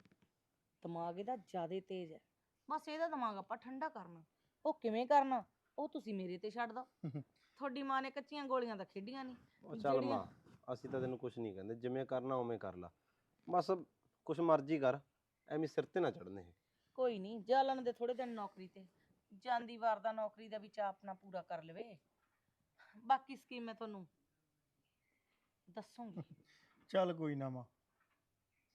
ਦਿਮਾਗ ਇਹਦਾ ਜ਼ਿਆਦਾ ਤੇਜ਼ ਹੈ। ਬਸ ਇਹਦਾ ਦਿਮਾਗ ਆਪਾਂ ਠੰਡਾ ਕਰਨਾ। ਉਹ ਕਿਵੇਂ ਕਰਨਾ ਉਹ ਤੁਸੀਂ ਮੇਰੇ ਤੇ ਛੱਡ ਦਿਓ। ਤੁਹਾਡੀ ਮਾਂ ਨੇ ਕੱਚੀਆਂ ਗੋਲੀਆਂ ਤਾਂ ਖੇਡੀਆਂ ਨਹੀਂ।
ਉਹ ਚੱਲ ਮਾਂ, ਅਸੀਂ ਤਾਂ ਤੈਨੂੰ ਕੁਛ ਨਹੀਂ ਕਹਿੰਦੇ, ਜਿਵੇਂ ਕਰਨਾ ਉਵੇਂ ਕਰ ਲਾ। ਬਸ ਕੁਛ ਮਰਜ਼ੀ ਕਰ, ਐਵੇਂ ਸਿਰ ਤੇ ਨਾ ਚੜਨੇ।
ਕੋਈ ਨਹੀਂ, ਜਾ ਲੈਣ ਦੇ ਥੋੜੇ ਦਿਨ ਨੌਕਰੀ ਤੇ। ਜਾਂਦੀ ਵਾਰ ਦਾ ਨੌਕਰੀ ਦਾ ਵੀ ਚਾਅ ਆਪਣਾ ਪੂਰਾ ਕਰ ਲਵੇ। ਬਾਕੀ ਸਕੀਮ ਮੈਂ ਤੁਹਾਨੂੰ ਦੱਸੂਗੀ।
ਚੱਲ ਕੋਈ ਨਾ ਮਾਂ,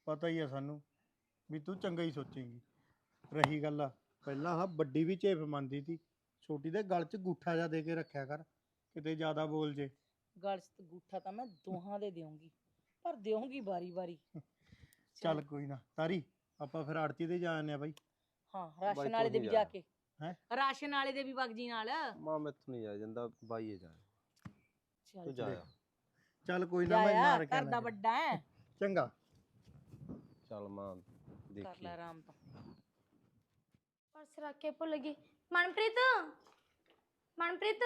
ਪਤਾ ਹੀ ਆ ਸਾਨੂੰ ਵੀ ਤੂੰ ਚੰਗਾ ਹੀ ਸੋਚੇਂਗੀ। ਰਹੀ ਗੱਲ ਆ, ਪਹਿਲਾਂ ਹਾਂ ਵੱਡੀ ਵੀ ਝੇਪ ਮੰਨਦੀ ਸੀ, ਛੋਟੀ ਦੇ ਗਲ 'ਚ ਗੂਠਾ ਜਾ ਦੇ ਕੇ ਰੱਖਿਆ ਕਰ, ਕਿਤੇ ਜ਼ਿਆਦਾ ਬੋਲ ਜੇ।
ਗਲ 'ਚ ਗੂਠਾ ਤਾਂ ਮੈਂ ਦੋਹਾਂ ਦੇ ਦੇਵਾਂਗੀ, ਪਰ ਦੇਵਾਂਗੀ ਵਾਰੀ-ਵਾਰੀ।
ਚੱਲ ਕੋਈ ਨਾ ਤਾਰੀ, ਆਪਾਂ ਫਿਰ ਆੜਤੀ ਤੇ ਜਾ ਆਨੇ ਆ ਬਾਈ।
ਹਾਂ,
ਬਾਈ
ਰਾਸ਼ਨ ਵਾਲੇ ਦੇ
ਤੂੰ
ਵੀ
ਹੀ
ਜਾ
ਜਾ।
ਕੇ
ਹੈਂ?
ਰਾਸ਼ਨ ਵਾਲੇ ਦੇ ਵੀ ਵਗ ਜੀ ਨਾਲ।
ਮਾਂ ਮੈਥੋਂ ਨਹੀਂ ਜਾ ਜਾਂਦਾ, ਬਾਈ ਹੀ ਜਾ।
ਚੱਲ
ਤੂੰ ਜਾਇਆ।
ਚੱਲ ਕੋਈ ਨਾ, ਮੈਂ
ਜਾਇਆ,
ਮਾਰ ਕੇ
ਘਰ ਦਾ
ਆਉਣਾ।
ਵੱਡਾ ਹੈ।
ਚੰਗਾ।
ਚੱਲ ਮਾਂ
ਕਰ
ਦੇਖੀ।
ਲੈ ਆਰਾਮ ਤੋਂ।
ਪਰਸ ਰੱਖ ਕੇ ਭੁੱਲ ਗਈ। ਮਨਪ੍ਰੀਤ, ਮਨਪ੍ਰੀਤ,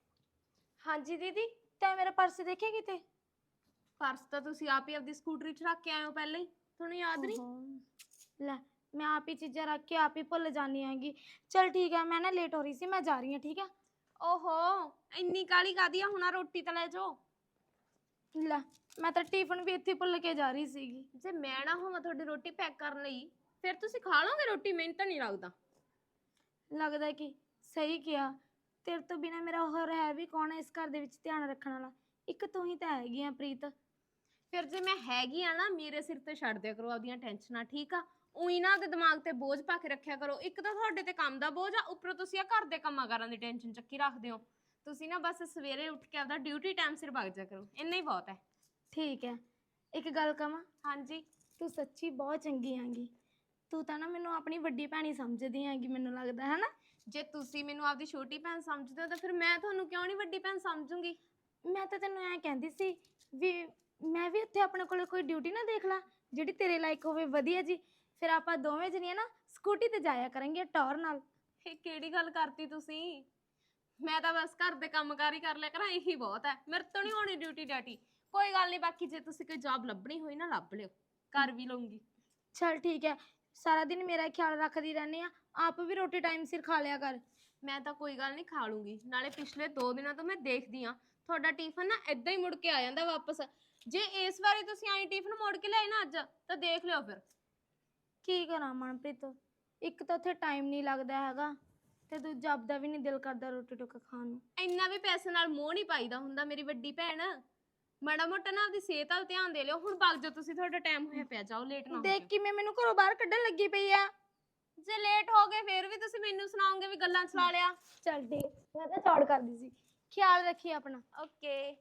ਹਾਂਜੀ ਦੀਦੀ,
ਤੈਂ ਮੇਰਾ ਪਰਸ ਦੇਖਿਆ ਕਿਤੇ?
ਪਰਸ ਤਾਂ ਤੁਸੀਂ ਆਪ ਹੀ ਆਪਦੀ ਸਕੂਟਰੀ 'ਚ ਰੱਖ ਕੇ ਆਏ ਹੋ ਪਹਿਲਾਂ ਹੀ, ਤੁਹਾਨੂੰ ਯਾਦ ਨਹੀਂ?
ਲੈ, ਮੈਂ ਆਪ ਹੀ ਚੀਜ਼ਾਂ ਰੱਖ ਕੇ ਆਪ ਹੀ ਭੁੱਲ ਜਾਨੀ ਹੈਗੀ। ਚਲ ਠੀਕ ਹੈ, ਮੈਂ ਨਾ ਲੇਟ ਹੋ ਰਹੀ ਸੀ, ਮੈਂ ਜਾ ਰਹੀ ਹਾਂ, ਠੀਕ ਹੈ?
ਓਹੋ, ਇੰਨੀ ਕਾਹਲੀ ਕਾਹਦੀ ਆ, ਹੁਣ ਆਹ ਰੋਟੀ ਤਾਂ ਲੈ ਜਾਓ।
ਲੈ, ਮੈਂ ਤਾਂ ਟਿਫਨ ਵੀ ਇੱਥੇ ਭੁੱਲ ਕੇ ਜਾ ਰਹੀ ਸੀਗੀ।
ਜੇ ਮੈਂ ਨਾ ਹੋਵਾਂ ਤੁਹਾਡੀ ਰੋਟੀ ਪੈਕ ਕਰਨ ਲਈ, ਫਿਰ ਤੁਸੀਂ ਖਾ ਲਓਗੇ ਰੋਟੀ? ਮੈਨੂੰ ਤਾਂ ਨਹੀਂ ਲੱਗਦਾ।
ਲੱਗਦਾ ਕਿ ਸਹੀ ਕਿਹਾ। ਤੇਰੇ ਤੋਂ ਬਿਨਾ ਮੇਰਾ ਹੋਰ ਹੈ ਵੀ ਕੌਣ ਹੈ ਇਸ ਘਰ ਦੇ ਵਿੱਚ ਧਿਆਨ ਰੱਖਣ ਵਾਲਾ? ਇੱਕ ਤੂੰ ਹੀ ਤਾਂ ਹੈਗੀ ਆ ਪ੍ਰੀਤ।
ਫਿਰ ਜੇ ਮੈਂ ਹੈਗੀ ਆ ਨਾ, ਮੇਰੇ ਸਿਰ ਤੇ ਛੱਡ ਦਿਆ ਕਰੋ ਆਪਦੀਆਂ ਟੈਨਸ਼ਨਾਂ, ਠੀਕ ਆ? ਉਹੀ ਨਾ ਆਪਦੇ ਦਿਮਾਗ ਤੇ ਬੋਝ ਪਾ ਕੇ ਰੱਖਿਆ ਕਰੋ। ਇੱਕ ਤਾਂ ਤੁਹਾਡੇ ਤੇ ਕੰਮ ਦਾ ਬੋਝ ਆ, ਉੱਪਰੋਂ ਤੁਸੀਂ ਆ ਘਰ ਦੇ ਕੰਮਾਂ ਕਾਰਾਂ ਦੀ ਟੈਨਸ਼ਨ ਚੱਕੀ ਰੱਖਦੇ ਹੋ। ਤੁਸੀਂ ਨਾ ਬਸ ਸਵੇਰੇ ਉੱਠ ਕੇ ਆਪਦਾ ਡਿਊਟੀ ਟਾਈਮ ਸਿਰ ਵਗ ਜਾ ਕਰੋ, ਇੰਨਾ ਹੀ ਬਹੁਤ ਹੈ।
ਠੀਕ ਹੈ, ਇੱਕ ਗੱਲ ਕਵਾਂ?
ਹਾਂਜੀ।
ਤੂੰ ਸੱਚੀ ਬਹੁਤ ਚੰਗੀ ਹੈਗੀ। ਤੂੰ ਤਾਂ ਨਾ ਮੈਨੂੰ ਆਪਣੀ ਵੱਡੀ ਭੈਣੀ ਸਮਝਦੀ ਹੈਗੀ, ਮੈਨੂੰ ਲੱਗਦਾ ਹੈ ਨਾ?
ਜੇ ਤੁਸੀਂ ਮੈਨੂੰ ਆਪਦੀ ਛੋਟੀ ਭੈਣ ਸਮਝਦੇ ਹੋ ਤਾਂ ਫਿਰ ਮੈਂ ਤੁਹਾਨੂੰ ਕਿਉਂ ਨਹੀਂ ਵੱਡੀ ਭੈਣ ਸਮਝੂੰਗੀ?
ਮੈਂ ਤਾਂ ਤੈਨੂੰ ਐਂ ਕਹਿੰਦੀ ਸੀ ਵੀ ਮੈਂ ਵੀ ਇੱਥੇ ਆਪਣੇ ਕੋਲ ਕੋਈ ਡਿਊਟੀ ਨਾ ਦੇਖ ਲਾ ਜਿਹੜੀ ਤੇਰੇ ਲਾਇਕ ਹੋਵੇ, ਵਧੀਆ ਜੀ। ਫਿਰ ਆਪਾਂ ਦੋਵੇਂ ਜਣੀਆਂ ਨਾ ਸਕੂਟੀ ਤੇ ਜਾਇਆ ਕਰਾਂਗੇ ਟੌਰ ਨਾਲ।
ਇਹ ਕਿਹੜੀ ਗੱਲ ਕਰਤੀ ਤੁਸੀਂ? ਮੈਂ ਤਾਂ ਬਸ ਘਰ ਦੇ ਕੰਮਕਾਰ ਹੀ ਕਰ ਲਿਆ ਕਰਾਂ, ਇਹੀ ਬਹੁਤ ਹੈ। ਮੇਰੇ ਤੋਂ ਨਹੀਂ ਹੋਣੀ ਡਿਊਟੀ ਡਾਟੀ। ਕੋਈ ਗੱਲ ਨਹੀਂ, ਬਾਕੀ ਜੇ ਤੁਸੀਂ ਕੋਈ ਜੌਬ ਲੱਭਣੀ ਹੋਈ ਨਾ ਲੱਭ ਲਿਓ, ਕਰ ਵੀ ਲਊਂਗੀ।
ਚਲ ਠੀਕ ਹੈ, ਸਾਰਾ ਦਿਨ ਮੇਰਾ ਖਿਆਲ ਰੱਖਦੀ ਰਹਿੰਦੀ ਆ, ਆਪ ਵੀ ਰੋਟੀ ਟਾਈਮ ਸਿਰ ਖਾ ਲਿਆ ਕਰ।
ਮੈਂ ਤਾਂ ਕੋਈ ਗੱਲ ਨਹੀਂ, ਖਾ ਲੂੰਗੀ। ਨਾਲੇ ਪਿਛਲੇ 2 ਦਿਨਾਂ ਤੋਂ ਮੈਂ ਦੇਖਦੀ ਆ ਤੁਹਾਡਾ ਟਿਫਨ ਨਾ ਏਦਾਂ ਹੀ ਮੁੜ ਕੇ ਆ ਜਾਂਦਾ ਵਾਪਸ। ਜੇ ਇਸ ਵਾਰੀ ਤੁਸੀਂ ਆਈ ਟਿਫਨ ਮੋੜ ਕੇ ਲਿਆਏ ਨਾ ਅੱਜ, ਤਾਂ ਦੇਖ ਲਿਓ ਫਿਰ।
ਕੀ ਕਰਾਂ ਮਨਪ੍ਰੀਤ, ਇੱਕ ਤਾਂ ਉੱਥੇ ਟਾਈਮ ਨਹੀਂ ਲੱਗਦਾ ਹੈਗਾ, ਤੇ ਦੂਜਾ ਆਪਦਾ ਵੀ ਨਹੀਂ ਦਿਲ ਕਰਦਾ ਰੋਟੀ ਟੁੱਕ ਖਾਣ ਨੂੰ।
ਇੰਨਾ ਵੀ ਪੈਸੇ ਨਾਲ ਮੋਹ ਨਹੀਂ ਪਾਈਦਾ ਹੁੰਦਾ ਮੇਰੀ ਵੱਡੀ ਭੈਣ। ਮਾੜਾ ਮੋਟਾ ਨਾ ਆਪਦੀ ਸਿਹਤ ਵੱਲ ਧਿਆਨ ਦੇ ਲਿਓ। ਹੁਣ ਵਗ ਜਾਓ ਤੁਸੀਂ, ਤੁਹਾਡਾ ਟਾਈਮ ਹੋਇਆ ਪਿਆ, ਜਾਓ, ਲੇਟ ਨਾ ਹੋ
ਦੇਖ
ਜਾਇਓ।
ਕਿਵੇਂ ਮੈਨੂੰ ਘਰੋਂ ਬਾਹਰ ਕੱਢਣ ਲੱਗੀ ਪਈ ਆ।
ਜੇ ਲੇਟ ਹੋ ਗਏ ਫਿਰ ਵੀ ਤੁਸੀਂ ਮੈਨੂੰ ਸੁਣਾਓਗੇ ਵੀ ਗੱਲਾਂ ਚਲਾ ਲਿਆ।
ਚੱਲ ਠੀਕ, ਮੈਂ ਤਾਂ ਚੌੜ ਕਰਦੀ ਸੀ। ਖਿਆਲ ਰੱਖੀ ਆਪਣਾ।
ਓਕੇ।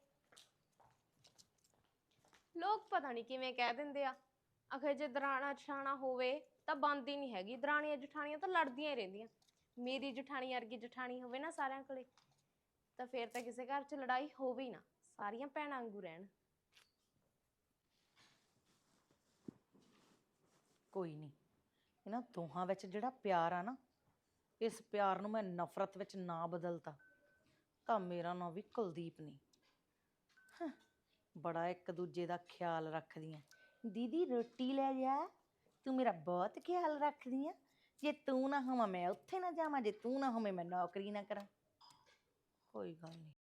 ਲੋਕ ਪਤਾ ਨਹੀਂ ਕਿਵੇਂ ਕਹਿ ਦਿੰਦੇ ਆ, ਅਖੇ ਜੇ ਦਰਾਣਾ ਜਠਾਣਾ ਹੋਵੇ ਤਾਂ ਬਣਦੀ ਨਹੀਂ ਹੈਗੀ। ਦਰਾਣੀਆਂ ਜਠਾਣੀਆਂ ਤਾਂ ਲੜਦੀਆਂ ਹੀ ਰਹਿੰਦੀਆਂ। ਮੇਰੀ ਜਠਾਣੀ ਵਰਗੀ ਜਠਾਣੀ ਹੋਵੇ ਨਾ ਸਾਰਿਆਂ ਕੋਲੇ, ਤਾਂ ਫਿਰ ਤਾਂ ਕਿਸੇ ਘਰ 'ਚ ਲੜਾਈ ਹੋਵੇ ਹੀ ਨਾ, ਸਾਰੀਆਂ ਭੈਣਾਂ ਵਾਂਗੂ ਰਹਿਣ।
ਕੋਈ ਨਹੀਂ, ਇਹਨਾਂ ਦੋਹਾਂ ਵਿੱਚ ਜਿਹੜਾ ਪਿਆਰ ਆ ਨਾ, ਇਸ ਪਿਆਰ ਨੂੰ ਮੈਂ ਨਫ਼ਰਤ ਵਿੱਚ ਨਾ ਬਦਲਤਾ ਤਾਂ ਮੇਰਾ ਨਾਂ ਵੀ ਕੁਲਦੀਪ ਨਹੀਂ। ਬੜਾ ਇੱਕ ਦੂਜੇ ਦਾ ਖਿਆਲ ਰੱਖਦੀਆਂ। ਦੀਦੀ ਰੋਟੀ ਲੈ ਜਾ, ਤੂੰ ਮੇਰਾ ਬਹੁਤ ਖਿਆਲ ਰੱਖਦੀ ਆ। ਜੇ ਤੂੰ ਨਾ ਹੋਵਾਂ ਮੈਂ ਉੱਥੇ ਨਾ ਜਾਵਾਂ, ਜੇ ਤੂੰ ਨਾ ਹੋਵੇਂ ਮੈਂ ਨੌਕਰੀ ਨਾ ਕਰਾਂ। ਕੋਈ ਗੱਲ ਨਹੀਂ।